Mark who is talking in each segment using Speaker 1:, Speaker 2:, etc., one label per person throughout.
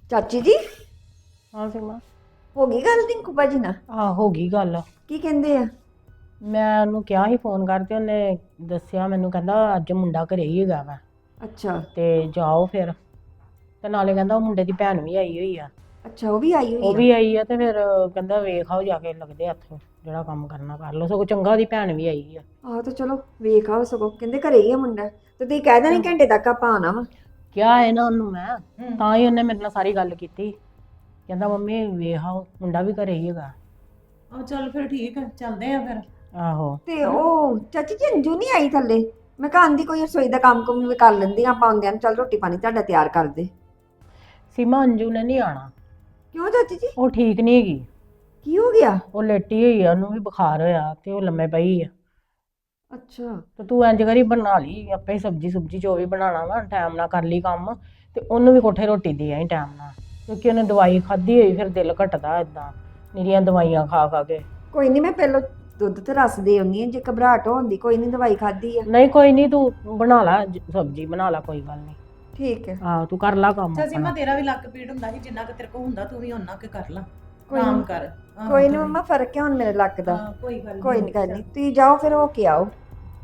Speaker 1: ਚਾਚੀ ਜੀ
Speaker 2: ਹਾਂ ਸੀਮਾ।
Speaker 1: ਹੋ ਗਈ ਗੱਲ ਟਿੰਕੂ ਭਾਜੀ ਨਾਲ?
Speaker 2: ਹੋ ਗਈ ਗੱਲ।
Speaker 1: ਕੀ ਕਹਿੰਦੇ ਆ?
Speaker 2: ਮੈਂ ਉਹਨੂੰ ਕਿਹਾ ਸੀ ਫੋਨ ਕਰਕੇ, ਉਹਨੇ ਦੱਸਿਆ ਮੈਨੂੰ, ਕਹਿੰਦਾ ਅੱਜ ਮੁੰਡਾ ਘਰੇ ਹੀ ਹੈਗਾ ਵਾ
Speaker 1: ਅੱਛਾ
Speaker 2: ਤੇ ਜਾਓ ਫਿਰ। ਤੇ ਨਾਲੇ ਕਹਿੰਦਾ ਉਹ ਮੁੰਡੇ ਦੀ ਭੈਣ ਵੀ ਆਈ ਹੋਈ ਆ।
Speaker 1: ਅੱਛਾ, ਉਹ ਵੀ ਆਈ
Speaker 2: ਉਹ
Speaker 1: ਹੋਈ ਆ?
Speaker 2: ਵੀ ਆਈ ਆ ਤੇ ਫਿਰ ਕਹਿੰਦਾ ਵੇਖ ਆਓ ਜਾ ਕੇ, ਲੱਗਦੇ ਹੱਥ, ਜਿਹੜਾ ਕੰਮ ਕਰਨਾ ਕਰ ਲਓ। ਸਗੋਂ ਚੰਗਾ ਉਹਦੀ ਭੈਣ ਵੀ ਆਈ ਆ।
Speaker 1: ਆਹੋ ਤੇ ਚਲੋ ਵੇਖ ਆਓ, ਸਗੋਂ ਕਹਿੰਦੇ ਘਰੇ ਹੀ ਆ ਮੁੰਡਾ, ਤੇ ਤੁਸੀਂ ਕਹਿ ਦੇਣੀ ਘੰਟੇ ਤੱਕ ਆਪਾਂ ਆਣਾ ਵਾ।
Speaker 2: ਕਿਹਾ ਹੈ ਨਾ ਉਹਨੂੰ ਮੈਂ, ਤਾਂ ਹੀ ਉਹਨੇ ਮੇਰੇ ਨਾਲ ਸਾਰੀ ਗੱਲ ਕੀਤੀ। ਕਹਿੰਦਾ ਮੰਮੀ ਵੇਖ ਆਓ ਮੁੰਡਾ ਵੀ ਘਰੇ ਹੀ ਹੈਗਾ।
Speaker 3: ਚੱਲ ਫਿਰ ਠੀਕ ਹੈ, ਚੱਲਦੇ ਆ ਫਿਰ।
Speaker 2: ਆਹੋ
Speaker 1: ਤੇ ਉਹ ਚਾਚੀ ਜੀ ਅੰਜੂ ਨਹੀਂ ਆਈ ਥੱਲੇ? ਮੈਂ ਕਿਹਾ ਆਂਦੀ ਕੋਈ ਰਸੋਈ ਦਾ ਕੰਮ ਕੁਮ ਵੀ ਕਰ ਲੈਂਦੀ ਆ, ਆਪਾਂ ਆਉਂਦਿਆਂ ਨੂੰ ਚੱਲ ਰੋਟੀ ਪਾਣੀ ਤੁਹਾਡਾ ਤਿਆਰ ਕਰ ਦੇ।
Speaker 2: ਸੀਮਾ, ਅੰਜੂ ਨੇ ਨਹੀਂ ਆਣਾ।
Speaker 1: ਕਿਉਂ ਚਾਚੀ ਜੀ?
Speaker 2: ਉਹ ਠੀਕ ਨਹੀਂ ਹੈਗੀ।
Speaker 1: ਕੀ ਹੋ ਗਿਆ?
Speaker 2: ਉਹ ਲੇਟੀ ਹੋਈ ਆ, ਉਹਨੂੰ ਵੀ ਬੁਖਾਰ ਹੋਇਆ ਤੇ ਉਹ ਲੰਮੇ ਪਈ ਆ।
Speaker 1: ਅੱਛਾ
Speaker 2: ਤੇ ਤੂੰ ਇੰਜ ਕਰੀ, ਬਣਾ ਲਈ ਆਪੇ ਹੀ ਸਬਜੀ ਸੁਬਜੀ ਜੋ ਵੀ ਬਣਾਉਣਾ ਵਾ, ਟਾਈਮ ਨਾਲ ਕਰ ਲਈ ਕੰਮ। ਤੇ ਉਹਨੂੰ ਵੀ ਕੋਠੇ ਰੋਟੀ ਦੇ ਆਈ ਟਾਈਮ ਨਾਲ, ਕਿਉਂਕਿ ਉਹਨੇ ਦਵਾਈ ਖਾਧੀ ਹੋਈ, ਫਿਰ ਦਿਲ ਘਟਦਾ ਇਦਾਂ ਨਿਰੀਆਂ ਦਵਾਈਆਂ ਖਾ ਖਾ ਕੇ।
Speaker 1: ਕੋਈ ਨਹੀਂ, ਮੈਂ ਪਹਿਲਾਂ ਦੁੱਧ ਤੇ ਰਸ ਦੇ ਆਉਂਦੀ ਆ, ਜੇ ਘਬਰਾਹਟ ਹੁੰਦੀ ਕੋਈ ਨਹੀਂ, ਦਵਾਈ ਖਾਧੀ ਆ।
Speaker 2: ਨਹੀਂ ਕੋਈ ਨਹੀਂ, ਤੂੰ ਬਣਾ ਲਾ ਸਬਜੀ, ਬਣਾ ਲਾ, ਕੋਈ ਗੱਲ ਨਹੀਂ।
Speaker 1: ਠੀਕ ਹੈ।
Speaker 2: ਆਹੋ ਤੂੰ ਕਰ ਲਾ ਕੰਮ
Speaker 3: ਚੱਲ ਸੀਮਾ,
Speaker 2: ਆਪਣਾ।
Speaker 3: ਤੇਰਾ ਵੀ ਲੱਕ ਪੀੜ ਹੁੰਦਾ ਸੀ, ਜਿੰਨਾ ਕਿ ਤੇਰੇ ਕੋਲ ਹੁੰਦਾ ਤੂੰ ਵੀ ਉਹਨਾਂ ਕੇ ਕਰ ਲਾ,
Speaker 1: ਕੋਈ
Speaker 3: ਆਰਾਮ
Speaker 1: ਨੀ।
Speaker 3: ਕਰ।
Speaker 1: ਕੋਈ ਨਹੀਂ ਮੰਮਾ, ਫਰਕ ਹੈ ਹੁਣ ਮੇਰੇ ਲੱਕ ਦਾ।
Speaker 3: ਕੋਈ ਗੱਲ
Speaker 1: ਕੋਈ ਨਹੀਂ ਕਰਨੀ, ਤੁਸੀਂ ਜਾਓ ਫਿਰ ਹੋ ਕੇ ਆਓ।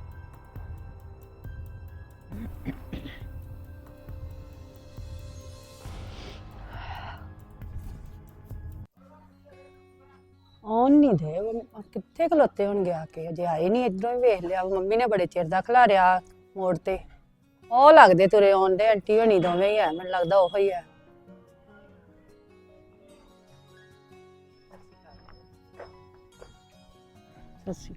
Speaker 4: ਆਉਣ ਨਹੀਂ ਦੇ ਉਹ ਕਿੱਥੇ ਖਲੋਤੇ ਹੋਣਗੇ ਆ ਕੇ, ਅਜੇ ਆਏ ਨਹੀਂ। ਇਧਰੋਂ ਹੀ ਵੇਖ ਲਿਆ, ਮੰਮੀ ਨੇ ਬੜੇ ਚਿਰ ਦਾ ਖਿਲਾਰਿਆ ਮੋੜ ਤੇ। ਉਹ ਲੱਗਦੇ ਤੁਰੇ ਆਉਂਦੇ, ਆਂਟੀ ਹੋਣੀ ਦੋਵੇਂ ਹੀ ਆ, ਮੈਨੂੰ ਲੱਗਦਾ ਉਹ ਹੀ ਆ। ਸੱਸੀ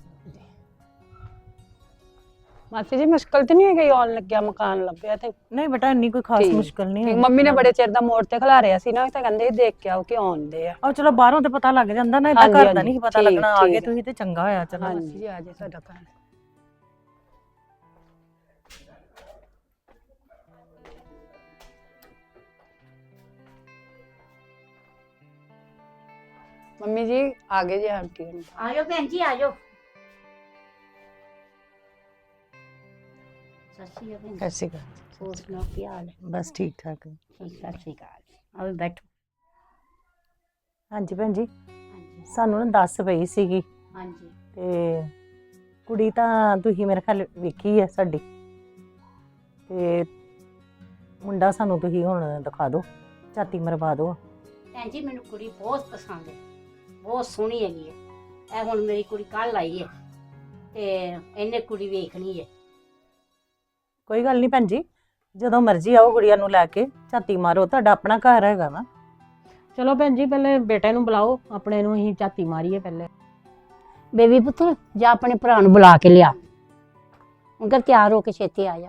Speaker 4: ਮਾਸੀ ਜੀ, ਮੁਸ਼ਕਲ ਤੇ ਨਹੀਂ ਹੈ ਗਈ ਆਉਣ ਲੱਗਿਆ, ਮਕਾਨ ਲੱਭਿਆ ਤੇ?
Speaker 2: ਨਹੀਂ ਬੇਟਾ, ਇੰਨੀ ਕੋਈ ਖਾਸ
Speaker 4: ਠੀਕ,
Speaker 2: ਮੁਸ਼ਕਲ ਨਹੀਂ
Speaker 4: ਠੀਕ।
Speaker 2: ਹੈ।
Speaker 4: ਮੰਮੀ ਨੇ ਬੜੇ ਚਿਰ ਦਾ ਮੋੜ ਤੇ ਖਿਲਾਰਿਆ ਸੀ ਨਾ, ਤਾਂ ਕਹਿੰਦੇ ਸੀ ਦੇਖ ਕੇ ਆਓ ਕਿ ਆਉਂਦੇ ਆ।
Speaker 2: ਉਹ ਚਲੋ ਬਾਹਰੋਂ ਤੇ ਪਤਾ ਲੱਗ ਜਾਂਦਾ ਨਾ, ਏਦਾਂ
Speaker 4: ਹਾਂਜੀ,
Speaker 2: ਘਰ ਦਾ
Speaker 4: ਹਾਂਜੀ,
Speaker 2: ਨਹੀਂ ਪਤਾ
Speaker 4: ਠੀਕ,
Speaker 2: ਲੱਗਣਾ। ਆ ਗਏ
Speaker 4: ਠੀਕ।
Speaker 2: ਤੁਸੀਂ ਤੇ ਚੰਗਾ ਹੋਇਆ। ਚਲੋ
Speaker 4: ਹਾਂਜੀ, ਆ ਜੇ ਸਾਡਾ ਘਰ। ਮੰਮੀ ਜੀ ਆ ਗਏ ਜੀ ਆਂਟੀ ਹੋਣੀ।
Speaker 5: ਆਜੋ ਭੈਣ ਜੀ, ਆਜੋ। ਸਤਿ ਸ਼੍ਰੀ ਅਕਾਲ।
Speaker 4: ਸਤਿ ਸ਼੍ਰੀ ਅਕਾਲ।
Speaker 5: ਹੋਰ ਸੁਣਾਓ ਕੀ ਹਾਲ ਹੈ?
Speaker 4: ਬਸ ਠੀਕ ਠਾਕ।
Speaker 5: ਠੀਕ, ਸਤਿ ਸ਼੍ਰੀ ਅਕਾਲ। ਆਓ ਬੈਠੋ।
Speaker 2: ਹਾਂਜੀ ਭੈਣ ਜੀ,
Speaker 5: ਹਾਂਜੀ
Speaker 2: ਸਾਨੂੰ ਨਾ ਦੱਸ ਪਈ ਸੀਗੀ
Speaker 5: ਹਾਂਜੀ।
Speaker 2: ਤੇ ਕੁੜੀ ਤਾਂ ਤੁਸੀਂ ਮੇਰੇ ਖਿਆਲ ਵੇਖੀ ਹੈ ਸਾਡੀ, ਤੇ ਮੁੰਡਾ ਸਾਨੂੰ ਤੁਸੀਂ ਹੁਣ ਦਿਖਾ ਦਿਓ, ਝਾਤੀ ਮਰਵਾ ਦਿਓ।
Speaker 5: ਭੈਣ ਜੀ, ਮੈਨੂੰ ਕੁੜੀ ਬਹੁਤ ਪਸੰਦ ਹੈ, ਬਹੁਤ ਸੋਹਣੀ ਹੈਗੀ ਹੈ। ਇਹ ਹੁਣ ਮੇਰੀ ਕੁੜੀ ਕੱਲ ਆਈ ਹੈ ਤੇ ਇਹਨੇ ਕੁੜੀ ਵੇਖਣੀ ਹੈ।
Speaker 2: ਕੋਈ ਗੱਲ ਨਹੀਂ ਭੈਣ ਜੀ, ਜਦੋਂ ਮਰਜ਼ੀ ਆਓ ਗੁੜੀਆ ਨੂੰ ਲੈ ਕੇ, ਝਾਤੀ ਮਾਰੋ, ਤੁਹਾਡਾ ਆਪਣਾ ਘਰ ਹੈਗਾ ਵਾ। ਚਲੋ ਭੈਣ ਜੀ, ਪਹਿਲੇ ਬੇਟੇ ਨੂੰ ਬੁਲਾਓ, ਆਪਣੇ ਨੂੰ ਅਸੀਂ ਝਾਤੀ ਮਾਰੀਏ ਪਹਿਲੇ।
Speaker 5: ਬੇਬੀ ਪੁੱਤਰ, ਜਾ ਆਪਣੇ ਭਰਾ ਨੂੰ ਬੁਲਾ ਕੇ ਲਿਆ, ਉਹਨੂੰ ਤਿਆਰ ਹੋ ਕੇ ਛੇਤੀ ਆ ਜਾ।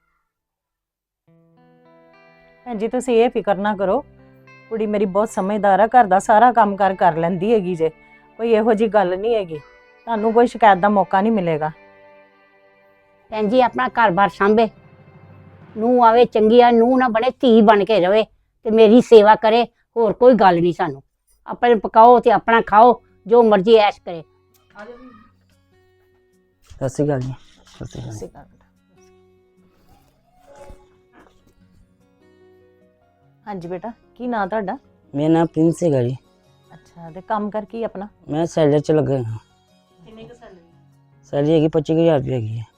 Speaker 2: ਭੈਣ ਜੀ ਤੁਸੀਂ ਇਹ ਫਿਕਰ ਨਾ ਕਰੋ, ਕੁੜੀ ਮੇਰੀ ਬਹੁਤ ਸਮਝਦਾਰ ਆ, ਘਰ ਦਾ ਸਾਰਾ ਕੰਮ ਕਰ ਲੈਂਦੀ ਹੈਗੀ ਜੇ, ਕੋਈ ਇਹੋ ਜੀ ਗੱਲ ਨਹੀਂ ਹੈਗੀ, ਤੁਹਾਨੂੰ ਕੋਈ ਸ਼ਿਕਾਇਤ ਦਾ ਮੌਕਾ ਨਹੀਂ ਮਿਲੇਗਾ।
Speaker 5: ਭੈਣ ਜੀ, ਆਪਣਾ ਘਰ-ਬਾਰ ਸਾਂਭੇ, ਨੂੰਹ ਆਵੇ ਚੰਗੀ ਆ, ਨੂੰਹ ਨਾ ਬਣੇ, ਧੀ ਬਣ ਕੇ ਰਵੇ ਤੇ ਮੇਰੀ ਸੇਵਾ ਕਰੇ, ਹੋਰ ਕੋਈ ਗੱਲ ਨਹੀਂ ਸਾਨੂੰ। ਆਪਣੇ ਪਕਾਓ ਤੇ ਆਪਣਾ ਖਾਓ, ਜੋ ਮਰਜ਼ੀ ਐਸ਼ ਕਰੇ।
Speaker 6: ਸਤਿ ਸ਼੍ਰੀ ਅਕਾਲ ਜੀ। ਸਤਿ ਸ਼੍ਰੀ ਅਕਾਲ।
Speaker 2: ਹਾਂਜੀ ਬੇਟਾ, ਕੀ ਨਾਂ ਤੁਹਾਡਾ?
Speaker 6: ਮੇਰਾ ਨਾਮ ਪ੍ਰਿੰਸ ਹੈਗਾ ਜੀ।
Speaker 2: ਅੱਛਾ, ਤੇ ਕੰਮ ਕਰ ਕੀ ਆਪਣਾ?
Speaker 6: ਮੈਂ ਸੈਲਰ ਚ ਲੱਗਾ ਹਾਂ।
Speaker 2: ਕਿੰਨੀ ਕੁ ਸੈਲਰੀ?
Speaker 6: ਸੈਲਰੀ ਹੈਗੀ 25,000 ਰੁਪਏ ਹੈਗੀ ਹੈ।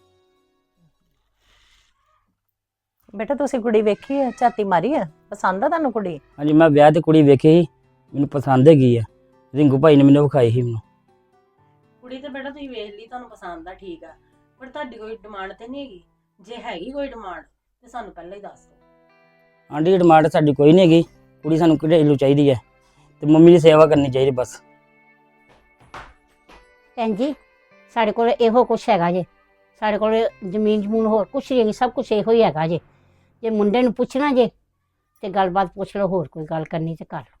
Speaker 2: ਬੇਟਾ ਤੁਸੀਂ ਕੁੜੀ ਵੇਖੀ ਹੈ, ਝਾਤੀ ਮਾਰੀ ਹੈ, ਪਸੰਦ ਆ ਤੁਹਾਨੂੰ ਕੁੜੀ?
Speaker 6: ਹਾਂਜੀ, ਮੈਂ ਵਿਆਹ ਤੇ ਕੁੜੀ ਵੇਖੀ ਸੀ, ਮੈਨੂੰ ਪਸੰਦ ਹੈਗੀ ਹੈ। ਰਿੰਕੂ ਭਾਈ ਨੇ ਮੈਨੂੰ ਵਿਖਾਈ ਸੀ ਮੈਨੂੰ।
Speaker 2: ਕੁੜੀ ਤੇ ਬੇਟਾ ਤੁਸੀਂ ਵੇਖ ਲਈ, ਤੁਹਾਨੂੰ ਪਸੰਦ ਆ, ਠੀਕ ਆ, ਪਰ ਤੁਹਾਡੀ ਕੋਈ ਡਿਮਾਂਡ ਤੇ ਨਹੀਂ ਹੈਗੀ? ਜੇ ਹੈਗੀ ਕੋਈ ਡਿਮਾਂਡ ਤੇ ਸਾਨੂੰ ਪਹਿਲਾਂ ਹੀ ਦੱਸ ਦਿਓ।
Speaker 6: ਆਂਟੀ ਡਿਮਾਂਡ ਸਾਡੀ ਕੋਈ ਨਹੀਂ ਹੈਗੀ, ਕੁੜੀ ਸਾਨੂੰ ਘਰੇਲੂ ਚਾਹੀਦੀ ਹੈ ਤੇ ਮੰਮੀ ਦੀ ਸੇਵਾ ਕਰਨੀ ਚਾਹੀਦੀ ਬਸ।
Speaker 5: ਭੈਣ ਜੀ, ਸਾਡੇ ਕੋਲ ਇਹੋ ਕੁਛ ਹੈਗਾ ਜੇ, ਸਾਡੇ ਕੋਲ ਜ਼ਮੀਨ ਜਮੂਨ ਹੋਰ ਕੁਛ ਨਹੀਂ ਹੈਗੀ, ਸਭ ਕੁਛ ਇਹੋ ਹੀ ਹੈਗਾ ਜੇ। ਜੇ ਮੁੰਡੇ ਨੂੰ ਪੁੱਛਣਾ ਜੇ ਤੇ ਗੱਲਬਾਤ ਪੁੱਛ ਲਓ, ਹੋਰ ਕੋਈ ਗੱਲ ਕਰਨੀ ਤੇ ਕਰ ਲਓ।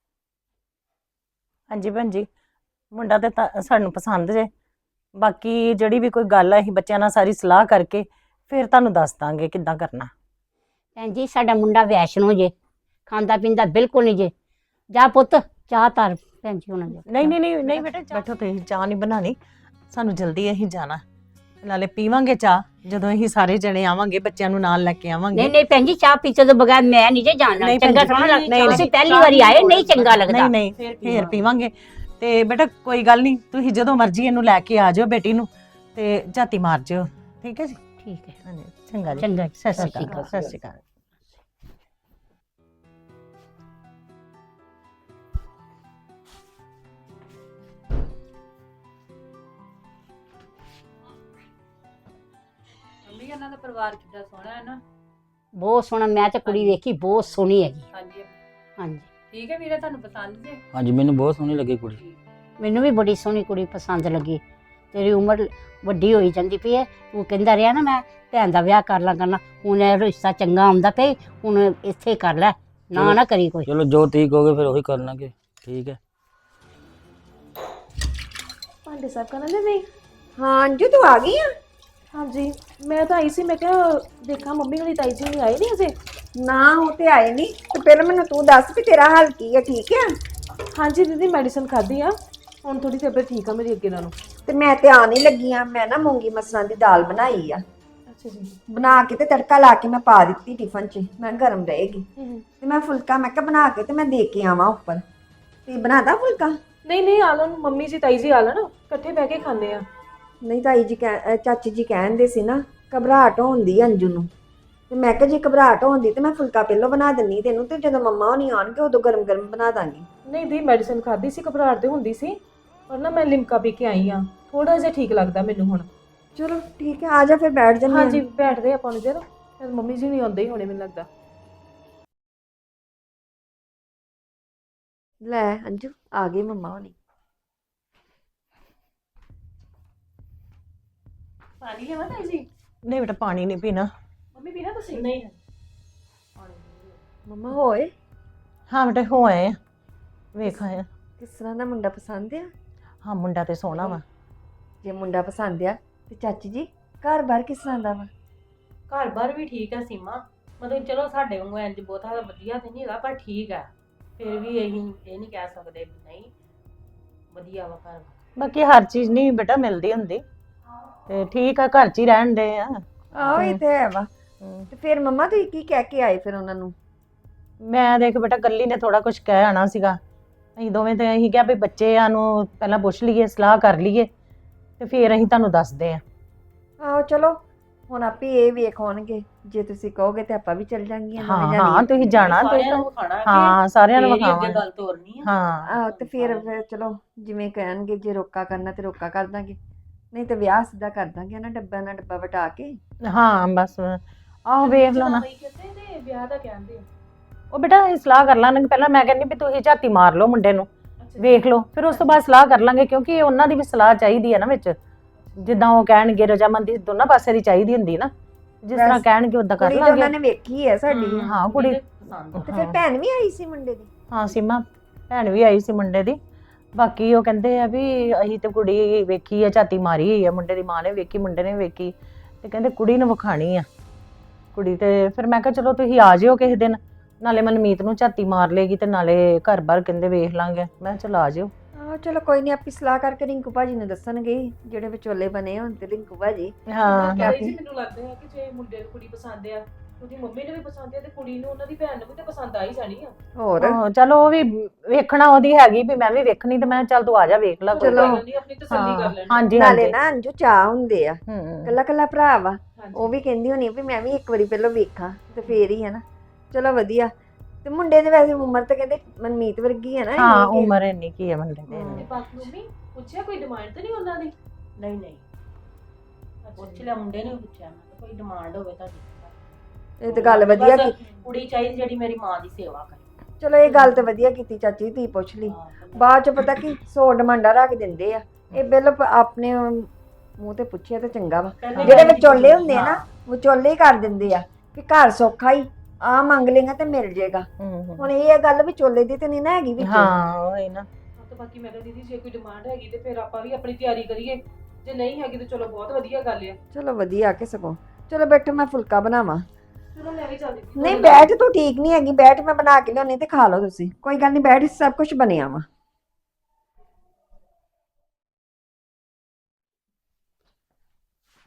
Speaker 2: ਹਾਂਜੀ ਭੈਣ ਜੀ, ਮੁੰਡਾ ਤੇ ਸਾਨੂੰ ਪਸੰਦ ਜੇ, ਬਾਕੀ ਜਿਹੜੀ ਵੀ ਕੋਈ ਗੱਲ ਹੈ ਅਸੀਂ ਬੱਚਿਆਂ ਨਾਲ ਸਾਰੀ ਸਲਾਹ ਕਰਕੇ ਫਿਰ ਤੁਹਾਨੂੰ ਦੱਸ ਦਾਂਗੇ ਕਿੱਦਾਂ ਕਰਨਾ।
Speaker 5: ਭੈਣ ਜੀ, ਸਾਡਾ ਮੁੰਡਾ ਵੈਸ਼ਨੋ ਜੇ, ਖਾਂਦਾ ਪੀਂਦਾ ਬਿਲਕੁਲ ਨਹੀਂ ਜੇ। ਜਾ ਪੁੱਤ, ਚਾਹ ਧਰ ਭੈਣ ਜੀ ਉਹਨਾਂ ਦੇ।
Speaker 2: ਨਹੀਂ ਬੇਟਾ, ਬੈਠੋ, ਤੁਸੀਂ ਚਾਹ ਨਹੀਂ ਬਣਾਣੀ, ਸਾਨੂੰ ਜਲਦੀ ਅਸੀਂ ਜਾਣਾ।
Speaker 7: ਨਾਲੇ ਪੀਵਾਂਗੇ ਚਾਹ ਜਦੋਂ ਅਸੀਂ ਸਾਰੇ ਜਣੇ ਆਵਾਂਗੇ, ਬੱਚਿਆਂ ਨੂੰ ਨਾਲ ਲੈ ਕੇ ਆਵਾਂਗੇ।
Speaker 5: ਨਹੀਂ ਨਹੀਂ ਭੈਣ ਜੀ, ਚਾਹ ਪੀਤੇ ਤੋਂ ਬਗੈਰ ਮੈਂ ਨਹੀਂ ਜੇ ਜਾਣਾ।
Speaker 7: ਨਹੀਂ ਭੈਣ
Speaker 5: ਚੰਗਾ
Speaker 7: ਜੀ,
Speaker 5: ਥੋੜਾ
Speaker 7: ਨਹੀਂ,
Speaker 5: ਲੱਗਦਾ,
Speaker 7: ਨਹੀਂ,
Speaker 5: ਤੁਸੀਂ ਪਹਿਲੀ ਵਾਰੀ ਆਏ, ਨਹੀਂ ਚੰਗਾ ਲੱਗਦਾ।
Speaker 7: ਨਹੀਂ ਨਹੀਂ ਫੇਰ ਪੀਵਾਂਗੇ। ਤੇ ਬੇਟਾ ਕੋਈ ਗੱਲ ਨਹੀਂ, ਤੁਸੀਂ ਜਦੋਂ ਮਰਜ਼ੀ ਇਹਨੂੰ ਲੈ ਕੇ ਆ ਜਾਓ ਬੇਟੀ ਨੂੰ, ਤੇ ਝਾਤੀ ਮਾਰ ਜਿਓ, ਠੀਕ ਹੈ ਜੀ?
Speaker 5: ਠੀਕ ਹੈ,
Speaker 7: ਹਾਂਜੀ, ਚੰਗਾ ਜੀ,
Speaker 5: ਚੰਗਾ ਜੀ,
Speaker 7: ਸਤਿ ਸ਼੍ਰੀ ਅਕਾਲ, ਸਤਿ ਸ਼੍ਰੀ ਅਕਾਲ।
Speaker 4: ਮੰਮੀ ਇਹਨਾਂ ਦਾ ਪਰਿਵਾਰ ਕਿੱਡਾ ਸੋਹਣਾ ਹੈ ਨਾ।
Speaker 5: ਬਹੁਤ ਸੋਹਣਾ। ਮੈਂ ਤੇ ਕੁੜੀ ਵੇਖੀ, ਬਹੁਤ ਸੋਹਣੀ ਹੈਗੀ।
Speaker 4: ਹਾਂਜੀ
Speaker 5: ਹਾਂਜੀ,
Speaker 4: ਠੀਕ ਹੈ ਵੀਰੇ, ਤੁਹਾਨੂੰ ਪਸੰਦ ਜੇ?
Speaker 6: ਹਾਂਜੀ ਮੈਨੂੰ ਬਹੁਤ ਸੋਹਣੀ ਲੱਗੀ ਕੁੜੀ।
Speaker 5: ਮੈਨੂੰ ਵੀ ਬੜੀ ਸੋਹਣੀ ਕੁੜੀ ਪਸੰਦ ਲੱਗੀ। ਤੇਰੀ ਉਮਰ ਵੱਡੀ ਹੋਈ ਜਾਂਦੀ ਪਈ ਹੈ। ਤੂੰ ਕਹਿੰਦਾ ਰਿਹਾ ਨਾ ਮੈਂ ਭੈਣ ਦਾ ਵਿਆਹ ਕਰ ਲਾਂ ਕਰਨਾ, ਹੁਣ ਇਹ ਰਿਸ਼ਤਾ ਚੰਗਾ ਆਉਂਦਾ ਪਿਆ, ਹੁਣ ਇੱਥੇ ਕਰ ਲੈ, ਨਾ ਨਾ ਕਰੀ ਕੋਈ।
Speaker 6: ਚਲੋ ਜੋ ਤੁਸੀਂ ਕਹੋਗੇ ਫਿਰ ਉਹੀ ਕਰ ਲਾਂਗੇ, ਠੀਕ ਹੈ।
Speaker 8: ਭਾਂਡੇ ਸਾਫ ਕਰਨ ਦੇ ਨਹੀਂ?
Speaker 1: ਹਾਂ ਅੰਜੂ ਤੂੰ ਆ ਗਈ ਆ?
Speaker 8: ਹਾਂਜੀ, ਮੈਂ ਤਾਂ ਆਈ ਸੀ, ਮੈਂ ਕਿਹਾ ਦੇਖਾਂ ਮੰਮੀ ਹੋਣੀ ਤਾਈ ਜੀ ਨਹੀਂ ਆਏ ਨਹੀਂ ਅਜੇ।
Speaker 1: ਨਾ ਉਹ ਤੇ ਆਏ ਨਹੀਂ, ਤੇ ਪਹਿਲਾਂ ਮੈਨੂੰ ਤੂੰ ਦੱਸ ਵੀ ਤੇਰਾ ਹਾਲ ਕੀ ਹੈ, ਠੀਕ ਹੈ?
Speaker 8: ਹਾਂਜੀ ਦੀਦੀ, ਮੈਡੀਸਨ ਖਾਧੀ ਆ, ਹੁਣ ਥੋੜੀ ਤਬੀਅਤ ਠੀਕ ਆ ਮੇਰੀ ਅੱਗੇ ਨਾਲੋਂ।
Speaker 1: ਤੇ ਮੈਂ ਤੇ ਆਣ ਹੀ ਲੱਗੀ ਆ। ਮੈਂ ਨਾ ਮੂੰਗੀ ਮਸਰਾਂ ਦੀ ਦਾਲ ਬਣਾਈ ਆ,
Speaker 8: ਅੱਛਾ ਜੀ।
Speaker 1: ਬਣਾ ਕੇ ਤੇ ਤੜਕਾ ਲਾ ਕੇ ਮੈਂ ਪਾ ਦਿੱਤੀ ਟਿਫਨ 'ਚ, ਮੈਂ ਗਰਮ ਰਹੇਗੀ। ਤੇ ਮੈਂ ਫੁਲਕਾ ਮੈਂ ਕਿਹਾ ਬਣਾ ਕੇ ਤੇ ਮੈਂ ਦੇ ਕੇ ਆਵਾਂ ਉੱਪਰ। ਤੇ ਬਣਾਦਾ ਫੁਲਕਾ?
Speaker 8: ਨਹੀਂ ਨਹੀਂ, ਆ ਲੈਣ ਮੰਮੀ ਜੀ ਤਾਈ ਜੀ, ਆ ਲੈਣ, ਇਕੱਠੇ ਬਹਿ ਕੇ ਖਾਂਦੇ ਆ।
Speaker 1: ਨਹੀਂ ਤਾਈ ਜੀ ਚਾਚੀ ਜੀ ਕਹਿੰਦੇ ਸੀ ਨਾ ਘਬਰਾਹਟ ਹੁੰਦੀ ਅੰਜੂ ਨੂੰ, ਤੇ ਮੈਂ ਕਿਹਾ ਜੇ ਘਬਰਾਹਟ ਹੁੰਦੀ ਤੇ ਮੈਂ ਫੁਲਕਾ ਪਹਿਲਾਂ ਬਣਾ ਦਿੰਨੀ ਤੈਨੂੰ, ਤੇ ਜਦੋਂ ਮੰਮਾ ਹੋਣੀ ਆਉਣਗੇ ਉਦੋਂ ਗਰਮ ਗਰਮ ਬਣਾ ਦਾਂਗੀ।
Speaker 8: ਨਹੀਂ ਦੀ, ਮੈਡੀਸਨ ਖਾਧੀ ਸੀ, ਘਬਰਾਹਟ ਤੇ ਹੁੰਦੀ ਸੀ, ਪਰ ਨਾ ਮੈਂ ਲਿਮਕਾ ਪੀ ਕੇ ਆਈ ਆ, ਥੋੜਾ ਜਿਹਾ ਠੀਕ ਲੱਗਦਾ ਮੈਨੂੰ ਹੁਣ।
Speaker 1: ਚਲੋ ਠੀਕ ਹੈ, ਆ ਜਾ ਫਿਰ ਬੈਠ ਜੰਨੇ।
Speaker 8: ਹਾਂਜੀ ਬੈਠਦੇ ਆਪਾਂ ਨੂੰ ਜਰਾ, ਮੰਮੀ ਜੀ ਨਹੀਂ ਆਉਂਦੇ ਹੀ ਹੋਣੇ ਮੈਨੂੰ ਲੱਗਦਾ।
Speaker 1: ਲੈ ਅੰਜੂ ਆ ਗਈ ਮੰਮਾ ਹੋਣੀ।
Speaker 8: ਪਾਣੀ ਲਿਆਵਾਂ ਤਾਈ ਜੀ?
Speaker 7: ਨਹੀਂ ਬੇਟਾ ਪਾਣੀ ਨਹੀਂ ਪੀਣਾ।
Speaker 8: ਮੰਮੀ ਪੀਣਾ ਤੁਸੀਂ? ਨਹੀਂ।
Speaker 1: ਮੰਮਾ ਹੋਏ
Speaker 7: ਹਾਂ ਬੇਟਾ ਹੋ ਆਏ ਆ, ਵੇਖ ਆਏ ਆ।
Speaker 1: ਕਿਸ ਤਰ੍ਹਾਂ ਦਾ ਮੁੰਡਾ ਪਸੰਦ ਆ?
Speaker 7: ਹਾਂ ਮੁੰਡਾ ਤੇ ਸੋਹਣਾ ਵਾ।
Speaker 1: ਜੇ ਮੁੰਡਾ ਪਸੰਦ ਆ ਤੇ ਚਾਚੀ ਜੀ ਘਰ-ਬਾਰ ਕਿਸ ਤਰ੍ਹਾਂ ਦਾ ਵਾ?
Speaker 2: ਘਰ-ਬਾਰ ਵੀ ਠੀਕ ਹੈ ਸੀਮਾ, ਮਤਲਬ ਚਲੋ ਸਾਡੇ ਵਾਂਗੂ ਇੰਜ ਬਹੁਤਾ ਵਧੀਆ ਤੇ ਨਹੀਂ ਹੈਗਾ, ਪਰ ਠੀਕ ਹੈ। ਫਿਰ ਵੀ ਅਸੀਂ ਇਹ ਨਹੀਂ ਕਹਿ ਸਕਦੇ ਵੀ ਨਹੀਂ ਵਧੀਆ ਵਾ ਘਰ।
Speaker 7: ਬਾਕੀ ਹਰ ਚੀਜ਼ ਨਹੀਂ ਬੇਟਾ ਮਿਲਦੀ ਹੁੰਦੀ, ਤੇ ਠੀਕ ਆ, ਘਰ 'ਚ ਹੀ ਰਹਿਣ ਦੇ ਆ।
Speaker 1: ਆਹੋ ਇਹ ਤੇ ਹੈ ਵਾ। ਤੇ ਫਿਰ ਮੰਮਾ ਤੁਸੀਂ ਕੀ ਕਹਿ ਕੇ ਆਏ ਫਿਰ ਉਹਨਾਂ ਨੂੰ?
Speaker 7: ਮੈਂ ਦੇਖ ਬੇਟਾ ਗੱਲੀ ਨੇ ਥੋੜਾ ਕੁਝ ਕਹਿ ਆਣਾ ਸੀਗਾ, ਅਸੀਂ ਦੋਵੇਂ ਤੇ ਅਸੀਂ ਕਿਹਾ ਵੀ ਬੱਚਿਆਂ ਨੂੰ ਪਹਿਲਾਂ ਪੁੱਛ ਲਈਏ, ਸਲਾਹ ਕਰ ਲਈਏ, ਤੇ ਫਿਰ ਅਸੀਂ ਤੁਹਾਨੂੰ ਦੱਸਦੇ ਆ।
Speaker 1: ਆਹੋ ਚਲੋ ਹੁਣ ਆਪੇ ਇਹ ਵੇਖ ਹੋਣਗੇ, ਜੇ ਤੁਸੀਂ ਕਹੋਗੇ ਤੇ ਆਪਾਂ ਵੀ ਚੱਲ ਜਾਾਂਗੀਆਂ
Speaker 7: ਹਾਂ ਹਾਂ ਤੁਸੀਂ ਜਾਣਾ,
Speaker 2: ਸਾਰਿਆਂ ਨੂੰ ਵਿਖਾਣਾ
Speaker 7: ਹਾਂ ਸਾਰਿਆਂ ਨੂੰ
Speaker 2: ਫੇਰ ਹੀ ਅੱਗੇ
Speaker 7: ਵਿਖਾਵਾਂਗੇ।
Speaker 2: ਗੱਲ ਤੋਰਨੀ ਆ।
Speaker 7: ਹਾਂ
Speaker 1: ਆਹੋ ਤੇ ਫਿਰ ਚਲੋ ਜਿਵੇਂ ਕਹਿਣਗੇ, ਜੇ ਰੋਕਾ ਕਰਨਾ ਤੇ ਰੋਕਾ ਕਰ ਦਾਂਗੇ, ਨਹੀਂ ਤੇ ਵਿਆਹ ਸਿੱਧਾ ਕਰ ਦਾਂਗੇ ਨਾ, ਡੱਬਾ ਨਾਲ ਡੱਬਾ ਵਟਾ ਕੇ।
Speaker 7: ਹਾਂ ਬਸ ਆਹੋ ਵੇਖ ਲਓ ਨਾ।
Speaker 8: ਕਹਿੰਦੇ ਤੇ ਵਿਆਹ ਦਾ ਕਹਿੰਦੇ ਆ।
Speaker 7: ਉਹ ਬੇਟਾ ਅਸੀਂ ਸਲਾਹ ਕਰ ਲਾਂਗੇ, ਪਹਿਲਾਂ ਮੈਂ ਕਹਿੰਦੀ ਵੀ ਤੁਸੀਂ ਝਾਤੀ ਮਾਰ ਲਓ ਮੁੰਡੇ ਨੂੰ, ਵੇਖ ਲਓ, ਫਿਰ ਉਸ ਤੋਂ ਬਾਅਦ ਸਲਾਹ ਕਰ ਲਾਂਗੇ, ਕਿਉਂਕਿ ਉਹਨਾਂ ਦੀ ਵੀ ਸਲਾਹ ਚਾਹੀਦੀ ਹੈ ਨਾ ਵਿੱਚ, ਜਿੱਦਾਂ ਉਹ ਕਹਿਣਗੇ ਰਜਾਮੰਦੀ ਦੋਨਾਂ ਪਾਸੇ ਦੀ ਚਾਹੀਦੀ ਹੁੰਦੀ ਨਾ, ਜਿਸ ਤਰ੍ਹਾਂ ਕਹਿਣਗੇ ਉਦਾਂ ਕਰ
Speaker 1: ਕੁੜੀ ਤਾਂ ਉਹਨਾਂ
Speaker 7: ਲਾਂਗੇ।
Speaker 1: ਨੇ ਵੇਖੀ ਹੈ ਸਾਡੀ।
Speaker 7: ਹਾਂ ਕੁੜੀ
Speaker 2: ਪਸੰਦ ਆ।
Speaker 1: ਤੇ ਫਿਰ ਭੈਣ ਵੀ ਆਈ ਸੀ ਮੁੰਡੇ ਦੀ?
Speaker 7: ਹਾਂ ਸੀਮਾ ਭੈਣ ਵੀ ਆਈ ਸੀ ਮੁੰਡੇ ਦੀ। ਬਾਕੀ ਉਹ ਕਹਿੰਦੇ ਆ ਵੀ ਅਸੀਂ ਤੇ ਕੁੜੀ ਵੇਖੀ ਆ, ਝਾਤੀ ਮਾਰੀ ਹੋਈ ਆ, ਮੁੰਡੇ ਦੀ ਮਾਂ ਨੇ ਵੇਖੀ, ਮੁੰਡੇ ਨੇ ਵੇਖੀ, ਤੇ ਕਹਿੰਦੇ ਕੁੜੀ ਨੂੰ ਵਿਖਾਣੀ ਆ ਕੁੜੀ। ਤੇ ਫਿਰ ਮੈਂ ਕਿਹਾ ਚਲੋ ਤੁਸੀਂ ਆ ਜਿਓ ਕਿਸੇ ਦਿਨ, ਨਾਲੇ ਮਨਮੀਤ ਨੂੰ ਝਾਤੀ ਮਾਰ ਲੇਗੀ ਤੇ ਨਾਲੇ ਘਰ-ਬਾਰ ਕਹਿੰਦੇ ਵੇਖ ਲਾਂਗੇ। ਮੈਂ ਕਿਹਾ ਚਲ ਆ ਜਿਓ।
Speaker 1: ਆਹੋ ਚਲੋ ਕੋਈ ਨਹੀਂ, ਆਪੀ ਸਲਾਹ ਕਰਕੇ ਰਿੰਕੂ ਭਾਜੀ ਨੂੰ ਦੱਸਣਗੇ, ਜਿਹੜੇ ਵਿਚੋਲੇ ਬਣੇ ਹੋਣ ਤੇ ਰਿੰਕੂ ਭਾਜੀ।
Speaker 7: ਹਾਂ
Speaker 8: ਤਾਈ ਜੀ ਮੈਨੂੰ ਲੱਗਦਾ ਹੈ ਕਿ ਜੇ ਮੁੰਡੇ ਨੂੰ ਕੁੜੀ ਪਸੰਦ ਆ, ਉਹਦੀ ਮੰਮੀ ਨੂੰ ਵੀ ਪਸੰਦ ਆ, ਤੇ ਕੁੜੀ ਨੂੰ ਉਹਨਾਂ ਦੀ ਭੈਣ ਨੂੰ ਵੀ ਤਾਂ ਪਸੰਦ ਆ ਹੀ ਜਾਣੀ ਆ।
Speaker 1: ਹੋਰ
Speaker 7: ਚਲੋ ਉਹ ਵੀ ਵੇਖਣਾ ਉਹਦੀ ਹੈਗੀ ਵੀ ਮੈਂ ਵੀ ਵੇਖਣੀ, ਤੇ ਮੈਂ ਚੱਲ ਤੂੰ ਆ ਜਾ ਵੇਖ ਲੈ।
Speaker 1: ਚਲੋ।
Speaker 8: ਨਹੀਂ ਆਪਣੀ ਤਸੱਲੀ ਕਰ ਲੈਣੀ।
Speaker 7: ਹਾਂਜੀ
Speaker 1: ਨਾਲੇ
Speaker 7: ਹਾਂਜੀ
Speaker 1: ਨਾ ਅੰਜੂ ਚਾਹ ਹੁੰਦੇ ਆ,
Speaker 7: ਹੂੰ
Speaker 1: ਕੱਲਾ ਕੱਲਾ ਭਰਾ ਵਾ,
Speaker 8: ਹਾਂਜੀ।
Speaker 1: ਉਹ ਵੀ ਕਹਿੰਦੀ ਹੋਣੀ ਵੀ ਮੈਂ ਵੀ ਇੱਕ ਵਾਰੀ ਪਹਿਲਾਂ ਵੇਖਾਂ ਤੇ ਫੇਰ ਹੀ ਹੈ ਨਾ। ਚਲੋ ਵਧੀਆ। ਤੇ ਮੁੰਡੇ ਦੇ ਵੈਸੇ ਉਮਰ ਤਾਂ ਕਹਿੰਦੇ ਮਨਮੀਤ ਵਰਗੀ ਹੈ ਨਾ?
Speaker 7: ਹਾਂ
Speaker 1: ਇੰਨੀ ਕਿ-
Speaker 7: ਉਮਰ ਇੰਨੀ ਕੀ ਹੈ ਮੁੰਡੇ ਦੀ
Speaker 8: ਤੇ
Speaker 7: ਇੰਨੀ।
Speaker 8: ਬਾਕੀ ਮੰਮੀ ਪੁੱਛਿਆ ਕੋਈ ਡਿਮਾਂਡ ਤਾਂ ਨਹੀਂ ਉਹਨਾਂ ਦੀ?
Speaker 2: ਨਹੀਂ ਨਹੀਂ ਪੁੱਛ ਲਿਆ, ਮੁੰਡੇ ਨੇ ਵੀ ਪੁੱਛਿਆ, ਮੈਂ ਕਿਹਾ ਕੋਈ ਡਿਮਾਂਡ ਹੋਵੇ ਤੁਹਾਡੀ।
Speaker 1: ਇਹ ਤਾਂ ਗੱਲ ਵਧੀਆ
Speaker 2: ਬਸ
Speaker 1: ਕੀਤੀ।
Speaker 2: ਕੁੜੀ ਚਾਹੀਦੀ ਜਿਹੜੀ ਮੇਰੀ ਮਾਂ ਦੀ ਸੇਵਾ ਕਰੇ।
Speaker 1: ਚਲੋ ਇਹ ਗੱਲ ਤਾਂ ਵਧੀਆ ਕੀਤੀ ਚਾਚੀ, ਧੀ ਪੁੱਛ ਲਈ। ਬਾਅਦ ਚ ਪਤਾ ਕੀ 100 ਡਿਮਾਂਡਾਂ ਰੱਖ ਦਿੰਦੇ ਆ। ਇਹ ਬਿੱਲ ਆਪਣੇ ਮੂੰਹ ਤੇ ਪੁੱਛਿਆ ਤਾਂ ਚੰਗਾ ਵਾ। ਜਿਹੜੇ ਵਿਚੋਲੇ ਹੁੰਦੇ ਆ ਨਾ, ਵਿਚੋਲੇ ਹੀ ਕਰ ਦਿੰਦੇ ਆ ਕਿ ਘਰ ਸੌਖਾ ਹੀ, ਆ ਮੰਗ ਲੇਗਾ ਤੇ ਮਿਲ ਜੇਗਾ। ਹੁਣ ਇਹ ਗੱਲ ਵਿਚੋਲੇ ਦੀ ਤੇ ਨਹੀਂ ਨਾ ਹੈਗੀ ਵਿੱਚ।
Speaker 7: ਹਾਂ ਉਹ ਹੈ ਨਾ।
Speaker 8: ਤੇ ਬਾਕੀ ਮੈਂ ਕਿਹਾ ਦੀਦੀ ਜੇ ਕੋਈ ਡਿਮਾਂਡ ਹੈਗੀ ਤੇ ਫਿਰ ਆਪਾਂ ਵੀ ਆਪਣੀ ਤਿਆਰੀ ਕਰੀਏ, ਜੇ ਨਹੀਂ ਹੈਗੀ ਤਾਂ ਚਲੋ ਬਹੁਤ ਵਧੀਆ ਗੱਲ ਆ।
Speaker 1: ਚਲੋ ਵਧੀਆ ਕਿ ਸਗੋਂ। ਚਲੋ ਬੈਠੋ ਮੈਂ ਫੁਲਕਾ ਬਣਾਵਾਂ।
Speaker 8: ਚਲੋ ਮੈਂ ਵੀ ਚੱਲਦੀ ਹਾਂ।
Speaker 1: ਨਹੀਂ ਬੈਠ, ਤੂੰ ਠੀਕ ਨਹੀਂ ਹੈਗੀ, ਬੈਠ ਮੈਂ ਬਣਾ ਕੇ ਲਿਆਉਣੀ ਤੇ ਖਾ ਲਓ ਤੁਸੀਂ, ਕੋਈ ਗੱਲ ਨਹੀਂ, ਬੈਠ, ਸਭ ਕੁਝ ਬਣਿਆ ਵਾ।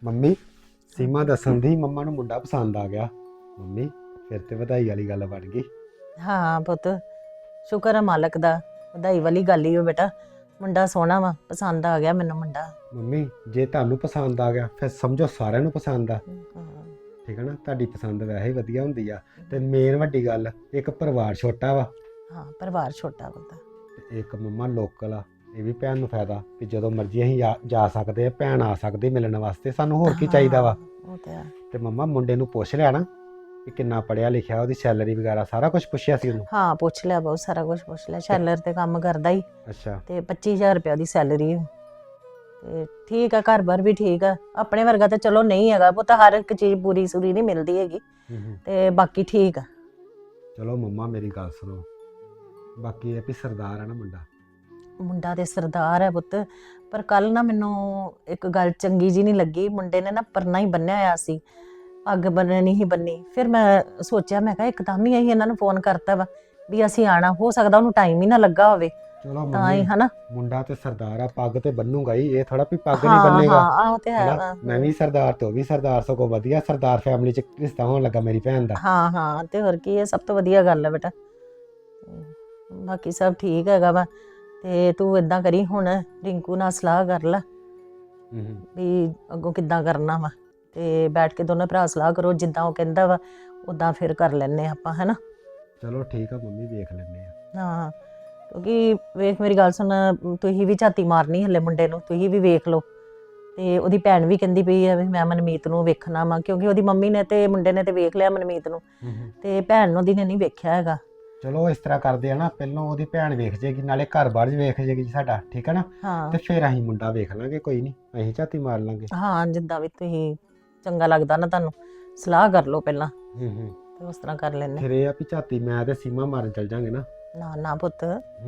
Speaker 9: ਮੰਮੀ ਸੀਮਾ ਦੱਸਣ ਦੀ ਮੰਮਾ ਨੂੰ ਮੁੰਡਾ ਪਸੰਦ ਆ ਗਿਆ। ਮੰਮੀ ਫਿਰ ਤੇ ਵਧਾਈ ਵਾਲੀ ਗੱਲ ਬਣ ਗਈ।
Speaker 7: ਹਾਂ ਪੁੱਤ, ਸ਼ੁਕਰ ਹੈ ਮਾਲਕ ਦਾ, ਵਧਾਈ ਵਾਲੀ ਗੱਲ ਹੀ ਹੋ ਬੇਟਾ। ਮੁੰਡਾ ਸੋਹਣਾ ਵਾ, ਪਸੰਦ ਆ ਗਿਆ ਮੈਨੂੰ ਮੁੰਡਾ।
Speaker 9: ਮੰਮੀ ਜੇ ਤੁਹਾਨੂੰ ਪਸੰਦ ਆ ਗਿਆ ਫਿਰ ਸਮਝੋ ਸਾਰਿਆਂ ਨੂੰ ਪਸੰਦ ਆ।
Speaker 7: ਹਾਂ,
Speaker 9: ਠੀਕ ਹੈ ਨਾ, ਤੁਹਾਡੀ ਪਸੰਦ ਵੈਸੇ ਹੀ ਵਧੀਆ ਹੁੰਦੀ ਆ। ਤੇ ਮੇਨ ਵੱਡੀ ਗੱਲ, ਇੱਕ ਪਰਿਵਾਰ ਛੋਟਾ ਵਾ
Speaker 7: ਹਾਂ ਪਰਿਵਾਰ ਛੋਟਾ ਪੁੱਤ।
Speaker 9: ਤੇ ਇੱਕ ਮੰਮਾ ਲੋਕਲ ਆ। ਇਹ ਵੀ ਭੈਣ ਨੂੰ ਫਾਇਦਾ ਕਿ ਜਦੋਂ ਮਰਜ਼ੀ ਅਸੀਂ ਜਾ ਸਕਦੇ ਆ, ਭੈਣ ਆ ਸਕਦੀ ਮਿਲਣ ਵਾਸਤੇ, ਸਾਨੂੰ ਹੋਰ ਕੀ ਚਾਹੀਦਾ ਵਾ।
Speaker 7: ਉਹ ਤੇ ਹੈ।
Speaker 9: ਤੇ ਮੰਮਾ ਮੁੰਡੇ ਨੂੰ ਪੁੱਛ ਲਿਆ ਨਾ ਕਿ ਕਿੰਨਾ ਪੜਿਆ ਲਿਖਿਆ, ਉਹਦੀ ਸੈਲਰੀ ਵਗੈਰਾ ਸਾਰਾ ਕੁਝ ਪੁੱਛਿਆ ਸੀ ਉਹਨੂੰ?
Speaker 7: ਹਾਂ ਪੁੱਛ ਲਿਆ, ਬਹੁਤ ਸਾਰਾ ਕੁਝ ਪੁੱਛ ਲਿਆ। ਸ਼ੈਲਰ ਤੇ ਕੰਮ ਕਰਦਾ ਹੀ,
Speaker 9: ਅੱਛਾ।
Speaker 7: ਤੇ 25,000 ਰੁਪਏ ਦੀ ਸੈਲਰੀ। ਤੇ ਠੀਕ ਆ, ਘਰ-ਬਾਰ ਵੀ ਠੀਕ ਆ। ਆਪਣੇ ਵਰਗਾ ਤਾਂ ਚਲੋ ਨਹੀਂ ਹੈਗਾ ਪੁੱਤ, ਹਰ ਇੱਕ ਚੀਜ਼ ਪੂਰੀ ਸੂਰੀ ਨਹੀਂ ਮਿਲਦੀ ਹੈਗੀ, ਤੇ ਬਾਕੀ ਠੀਕ ਆ।
Speaker 9: ਚਲੋ ਮੰਮਾ ਮੇਰੀ ਗੱਲ ਸੁਣੋ, ਬਾਕੀ ਇਹ ਵੀ ਸਰਦਾਰ ਆ ਨਾ ਮੁੰਡਾ।
Speaker 7: ਮੁੰਡਾ ਤੇ ਸਰਦਾਰ ਹੈ ਪੁੱਤ, ਪਰ ਕੱਲ ਨਾ ਮੈਨੂੰ ਇੱਕ ਗੱਲ ਚੰਗੀ ਜੀ ਨਹੀਂ ਲੱਗੀ। ਮੁੰਡੇ ਨੇ ਨਾ ਪਰਨਾ ਹੀ ਬੰਨਿਆ ਹੋਇਆ ਸੀ, ਪੱਗ ਬੰਨਣੀ ਹੀ ਬੰਨੀ। ਫਿਰ ਮੈਂ ਸੋਚਿਆ, ਮੈਂ ਕਿਹਾ ਇੱਕਦਮ ਹੀ ਅਸੀਂ ਇਹਨਾਂ ਨੂੰ ਫੋਨ ਕਰਤਾ ਵਾ ਵੀ ਅਸੀਂ ਆਣਾ, ਹੋ ਸਕਦਾ ਉਹਨੂੰ ਟਾਈਮ ਹੀ ਨਾ ਲੱਗਾ ਹੋਵੇ
Speaker 9: ਚਲੋ
Speaker 7: ਤਾਂ ਹੀ,
Speaker 9: ਮੰਮੀ
Speaker 7: ਹਨਾ।
Speaker 9: ਮੁੰਡਾ ਤੇ ਸਰਦਾਰ ਆ, ਪੱਗ ਤੇ ਬੰਨੂਗਾ ਹੀ, ਇਹ ਥੋੜਾ ਵੀ ਪੱਗ ਨਹੀਂ
Speaker 7: ਹਾਂ
Speaker 9: ਬੰਨੇਗਾ।
Speaker 7: ਹਾਂ ਆਹ ਤੇ ਹੈ
Speaker 9: ਹਨਾ?
Speaker 7: ਵਾ।
Speaker 9: ਮੈਂ ਵੀ ਸਰਦਾਰ ਤੇ ਉਹ ਵੀ ਸਰਦਾਰ, ਸਗੋਂ ਵਧੀਆ ਸਰਦਾਰ ਫੈਮਿਲੀ ਚ ਰਿਸ਼ਤਾ ਹੋਣ ਲੱਗਾ ਮੇਰੀ ਭੈਣ ਦਾ।
Speaker 7: ਹਾਂ ਹਾਂ, ਤੇ ਹੋਰ ਕੀ ਹੈ, ਸਭ ਤੋਂ ਵਧੀਆ ਗੱਲ ਹੈ ਬੇਟਾ। ਤੇ ਬਾਕੀ ਸਭ ਠੀਕ ਹੈਗਾ ਵਾ। ਤੇ ਤੂੰ ਇਦਾਂ ਕਰੀ, ਹੁਣ ਰਿੰਕੂ ਨਾਲ ਸਲਾਹ ਕਰ ਲੈ ਵੀ ਅੱਗੋਂ ਕਿੱਦਾਂ ਕਰਨਾ ਵਾ, ਤੇ ਬੈਠ ਕੇ ਦੋਨੇ ਭਰਾ ਸਲਾਹ ਕਰੋ, ਜਿੱਦਾਂ ਉਹ ਕਹਿੰਦਾ ਵਾ ਉਦਾਂ ਫਿਰ ਕਰ ਲੈਨੇ ਆਪਾਂ, ਹੈਨਾ।
Speaker 9: ਚਲੋ ਠੀਕ ਆ ਮੰਮੀ, ਵੇਖ ਲੈਂਦੇ ਆ।
Speaker 7: ਹਾਂ, ਕਿਉਂਕਿ ਵੇਖ ਮੇਰੀ ਗੱਲ ਸੁਣ, ਤੁਸੀਂ ਵੀ ਝਾਤੀ ਮਾਰਨੀ ਹਲੇ ਮੁੰਡੇ ਨੂੰ, ਤੁਸੀਂ ਵੀ ਵੇਖ ਲਓ। ਤੇ ਉਹਦੀ ਭੈਣ ਵੀ ਕਹਿੰਦੀ ਪਈ ਆ ਵੀ ਮੈਂ ਮਨਮੀਤ ਨੂੰ ਵੇਖਣਾ ਵਾ, ਕਿਉਂਕਿ ਉਹਦੀ ਮੰਮੀ ਨੇ ਤੇ ਮੁੰਡੇ ਨੇ ਤੇ ਵੇਖ ਲਿਆ ਮਨਮੀਤ ਨੂੰ, ਤੇ ਭੈਣ ਉਹਦੀ ਨੇ ਨਹੀਂ ਵੇਖਿਆ ਹੈਗਾ।
Speaker 9: ਚਲੋ ਇਸ ਤਰ੍ਹਾਂ ਕਰਦੇ ਆ ਨਾ, ਪਹਿਲਾਂ ਉਹਦੀ ਭੈਣ ਵੇਖ ਜੇਗੀ, ਨਾਲੇ ਘਰ-ਬਾਰ ਵੀ ਵੇਖ ਜੇਗੀ ਸਾਡਾ, ਠੀਕ ਹੈ ਨਾ।
Speaker 7: ਹਾਂ
Speaker 9: ਤੇ ਫਿਰ ਅਸੀਂ ਮੁੰਡਾ ਵੇਖ ਲਾਂਗੇ, ਕੋਈ ਨਹੀਂ, ਅਸੀਂ ਝਾਤੀ ਮਾਰ ਲਾਂਗੇ।
Speaker 7: ਹਾਂ, ਜਿੱਦਾਂ ਵੀ ਤੁਸੀਂ ਚੰਗਾ ਲੱਗਦਾ ਨਾ ਤੁਹਾਨੂੰ, ਸਲਾਹ ਕਰ ਲਓ ਪਹਿਲਾਂ, ਤੇ ਉਸ ਤਰ੍ਹਾਂ ਕਰ ਲੈਨੇ।
Speaker 9: ਫਿਰ ਇਹ ਆ ਵੀ ਝਾਤੀ ਮੈਂ ਤੇ ਸੀਮਾ ਮਾਰਨ ਚੱਲ ਜਾਂਗੇ ਨਾ।
Speaker 7: ਨਾ ਨਾ ਪੁੱਤ,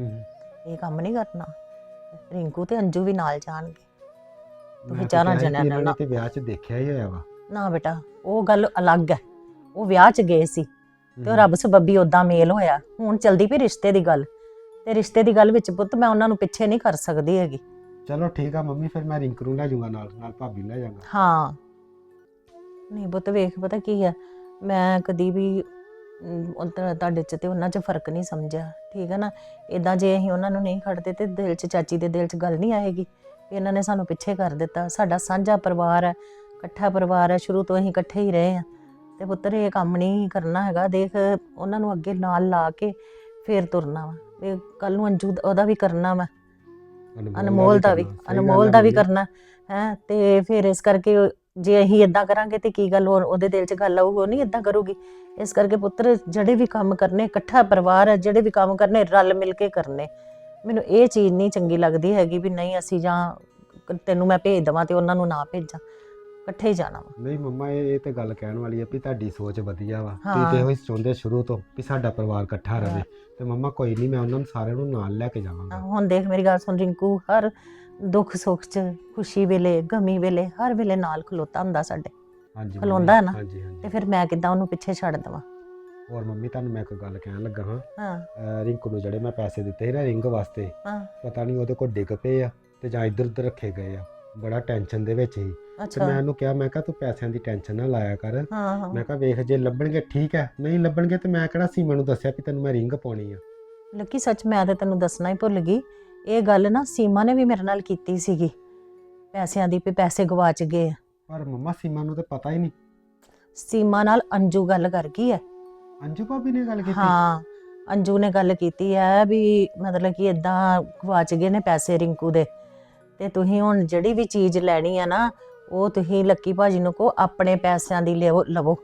Speaker 7: ਇਹ ਕੰਮ ਨਹੀਂ ਕਰਨਾ। ਰਿੰਕੂ ਤੇ ਅੰਜੂ ਵੀ ਨਾਲ ਜਾਣਗੇ,
Speaker 9: ਮੈਂ ਤਾਂ
Speaker 7: ਵਿਚਾਰਾਂ
Speaker 9: ਕਿਹਾ ਸੀ
Speaker 7: ਜਣਿਆਂ
Speaker 9: ਵੀ
Speaker 7: ਨਾਲ
Speaker 9: ਇਹਨਾਂ
Speaker 7: ਨਾ।
Speaker 9: ਨੇ ਤੇ ਵਿਆਹ 'ਚ ਦੇਖਿਆ ਹੀ ਹੋਇਆ ਵਾ।
Speaker 7: ਨਾ ਬੇਟਾ, ਉਹ ਗੱਲ ਅਲੱਗ ਹੈ। ਉਹ ਵਿਆਹ 'ਚ ਗਏ ਸੀ ਤੇ ਉਹ ਰੱਬ ਸਬੱਬੀ ਉਦਾਂ ਮੇਲ ਹੋਇਆ। ਹੁਣ ਚਲਦੀ ਪਈ ਰਿਸ਼ਤੇ ਦੀ ਗੱਲ, ਤੇ ਰਿਸ਼ਤੇ ਦੀ ਗੱਲ ਵਿੱਚ ਪੁੱਤ ਮੈਂ ਉਹਨਾਂ ਨੂੰ ਪਿੱਛੇ ਨਹੀਂ ਕਰ ਸਕਦੀ ਹੈਗੀ।
Speaker 9: ਚਲੋ ਠੀਕ ਆ ਮੰਮੀ, ਫਿਰ ਮੈਂ ਰਿੰਕੂ ਨੂੰ ਲੈ ਜਾਊਂਗਾ ਨਾਲ ਭਾਬੀ ਨੂੰ ਲੈ ਜਾਊਂਗਾ।
Speaker 7: ਹਾਂ ਨਹੀਂ ਪੁੱਤ, ਵੇਖ ਪਤਾ ਕੀ ਹੈ, ਮੈਂ ਕਦੀ ਵੀ ਤੁਹਾਡੇ 'ਚ ਤੇ ਉਹਨਾਂ 'ਚ ਫਰਕ ਨਹੀਂ ਸਮਝਿਆ, ਠੀਕ ਹੈ ਨਾ। ਇਦਾਂ ਜੇ ਅਸੀਂ ਉਹਨਾਂ ਨੂੰ ਨਹੀਂ ਖੜਦੇ ਤੇ ਦਿਲ 'ਚ, ਚਾਚੀ ਦੇ ਦਿਲ 'ਚ ਗੱਲ ਨਹੀਂ ਆਏਗੀ ਵੀ ਇਹਨਾਂ ਨੇ ਸਾਨੂੰ ਪਿੱਛੇ ਕਰ ਦਿੱਤਾ। ਸਾਡਾ ਸਾਂਝਾ ਪਰਿਵਾਰ ਹੈ, ਇਕੱਠਾ ਪਰਿਵਾਰ ਹੈ, ਸ਼ੁਰੂ ਤੋਂ ਅਸੀਂ ਇਕੱਠੇ ਹੀ ਰਹੇ ਹਾਂ। ਤੇ ਪੁੱਤਰ ਇਹ ਕੰਮ ਨਹੀਂ ਕਰਨਾ ਹੈਗਾ। ਦੇਖ ਉਹਨਾਂ ਨੂੰ ਅੱਗੇ ਨਾਲ ਲਾ ਕੇ ਫੇਰ ਤੁਰਨਾ ਵਾ। ਇਹ ਕੱਲ ਨੂੰ ਅੰਜੂ ਉਹਦਾ ਵੀ ਕਰਨਾ ਵਾ, ਅਨਮੋਲ ਦਾ ਵੀ, ਅਨਮੋਲ ਦਾ ਵੀ ਕਰਨਾ ਹੈ। ਤੇ ਫਿਰ ਇਸ ਕਰਕੇ ਜੇ ਅਸੀਂ ਇਦਾਂ ਕਰਾਂਗੇ ਤੇ ਕੀ ਗੱਲ ਉਹਦੇ ਦਿਲ 'ਚ ਗੱਲ ਆਊਗੀ, ਉਹ ਨਹੀਂ ਇਦਾਂ ਕਰੂਗੀ। ਇਸ ਕਰਕੇ ਪੁੱਤਰ ਜਿਹੜੇ ਵੀ ਕੰਮ ਕਰਨੇ, ਇਕੱਠਾ ਪਰਿਵਾਰ ਹੈ, ਜਿਹੜੇ ਵੀ ਕੰਮ ਕਰਨੇ ਰਲ ਮਿਲ ਕੇ ਕਰਨੇ। ਮੈਨੂੰ ਇਹ ਚੀਜ਼ ਨਹੀਂ ਚੰਗੀ ਲੱਗਦੀ ਹੈਗੀ ਵੀ ਨਹੀਂ ਅਸੀਂ ਜਾਂ ਤੈਨੂੰ ਮੈਂ ਭੇਜ ਦੇਵਾਂ ਤੇ ਉਹਨਾਂ ਨੂੰ ਨਾ ਭੇਜਾਂ, ਇਕੱਠੇ ਹੀ ਜਾਣਾ ਵਾ।
Speaker 9: ਨਹੀਂ ਮੰਮਾ, ਇਹ ਤੇ ਗੱਲ ਕਹਿਣ ਵਾਲੀ ਹੈ ਵੀ ਤੁਹਾਡੀ ਸੋਚ ਵਧੀਆ ਵਾ।
Speaker 7: ਹਾਂ।
Speaker 9: ਤੁਸੀਂ ਤੇ ਇਹੋ ਹੀ ਚਾਹੁੰਦੇ ਸ਼ੁਰੂ ਤੋਂ ਵੀ ਸਾਡਾ ਪਰਿਵਾਰ ਇਕੱਠਾ ਰਹੇ। ਤੇ ਮੰਮਾ ਕੋਈ ਨਹੀਂ, ਮੈਂ ਉਹਨਾਂ ਨੂੰ ਸਾਰਿਆਂ ਨੂੰ ਨਾਲ ਲੈ ਕੇ ਜਾਵਾਂਗਾ।
Speaker 7: ਹੁਣ ਦੇਖ ਮੇਰੀ ਗੱਲ ਸੁਣ, ਰਿੰਕੂ ਹਰ ਦੁੱਖ ਸੁੱਖ 'ਚ, ਖੁਸ਼ੀ ਵੇਲੇ, ਗਮੀ ਵੇਲੇ, ਹਰ ਵੇਲੇ ਨਾਲ ਖਲੋਤਾ ਹੁੰਦਾ ਸਾਡੇ,
Speaker 9: ਹਾਂਜੀ
Speaker 7: ਖਲੋਂਦਾ ਹੈ ਨਾ।
Speaker 9: ਹਾਂਜੀ ਹਾਂਜੀ।
Speaker 7: ਤੇ ਫਿਰ ਮੈਂ ਕਿੱਦਾਂ ਉਹਨੂੰ ਪਿੱਛੇ ਛੱਡ ਦੇਵਾਂ।
Speaker 9: ਹੋਰ ਮੰਮੀ, ਤੁਹਾਨੂੰ ਮੈਂ ਇੱਕ ਗੱਲ ਕਹਿਣ ਲੱਗਾ ਹਾਂ।
Speaker 7: ਹਾਂ
Speaker 9: ਰਿੰਕੂ ਨੂੰ ਜਿਹੜੇ ਮੈਂ ਪੈਸੇ ਦਿੱਤੇ ਸੀ ਨਾ ਰਿੰਗ ਵਾਸਤੇ,
Speaker 7: ਹਾਂ
Speaker 9: ਪਤਾ ਨਹੀਂ ਉਹਦੇ ਕੋਲ ਡਿੱਗ ਪਏ ਆ ਤੇ ਜਾਂ ਇੱਧਰ ਉੱਧਰ ਰੱਖੇ ਗਏ ਆ। ਬੜਾ ਟੈਨਸ਼ਨ ਦੇ ਵਿੱਚ ਸੀ। ਤੇ
Speaker 7: ਅੱਛਾ।
Speaker 9: ਮੈਂ ਉਹਨੂੰ ਕਿਹਾ, ਮੈਂ ਕਿਹਾ ਤੂੰ ਪੈਸਿਆਂ ਦੀ ਟੈਨਸ਼ਨ ਨਾ ਲਾਇਆ ਕਰ।
Speaker 7: ਹਾਂ ਹਾਂ
Speaker 9: ਮੈਂ ਕਿਹਾ ਵੇਖ, ਜੇ ਲੱਭਣਗੇ ਠੀਕ ਹੈ, ਨਹੀਂ ਲੱਭਣਗੇ ਤੇ ਮੈਂ ਕਿਹੜਾ ਸੀਮਾ ਨੂੰ ਦੱਸਿਆ ਕਿ ਤੈਨੂੰ ਮੈਂ ਰਿੰਗ ਪਾਉਣੀ ਆ।
Speaker 7: ਲੱਕੀ ਸੱਚ ਮੈਂ ਤੇ ਤੈਨੂੰ ਦੱਸਣਾ ਹੀ ਭੁੱਲ ਗਈ। ਇਹ ਗੱਲ ਨਾ ਸੀਮਾ ਨੇ ਵੀ ਮੇਰੇ ਨਾਲ ਕੀਤੀ ਸੀਗੀ, ਪੈਸਿਆਂ ਦੀ, ਵੀ ਪੈਸੇ ਗਵਾਚ ਗਏ ਆ।
Speaker 9: ਪਰ ਮੰਮਾ ਸੀਮਾ ਨੂੰ ਤਾਂ ਪਤਾ ਹੀ ਨਹੀਂ।
Speaker 7: ਸੀਮਾ ਨਾਲ ਅੰਜੂ ਗੱਲ ਕਰ ਗਈ ਹੈ।
Speaker 9: ਅੰਜੂ ਭਾਬੀ ਨੇ ਗੱਲ ਕੀਤੀ?
Speaker 7: ਹਾਂ, ਅੰਜੂ ਨੇ ਗੱਲ ਕੀਤੀ ਹੈ ਵੀ ਮਤਲਬ ਕਿ ਇਦਾਂ ਗਵਾਚ ਗਏ ਨੇ ਪੈਸੇ ਰਿੰਕੂ ਦੇ, ਤੇ ਤੁਸੀਂ ਹੁਣ ਜਿਹੜੀ ਵੀ ਚੀਜ਼ ਲੈਣੀ ਆ ਨਾ, ਉਹ ਤੁਸੀਂ ਲੱਕੀ ਭਾਜੀ ਨੂੰ ਕਹੋ ਆਪਣੇ ਪੈਸਿਆਂ ਦੀ ਲਵੋ।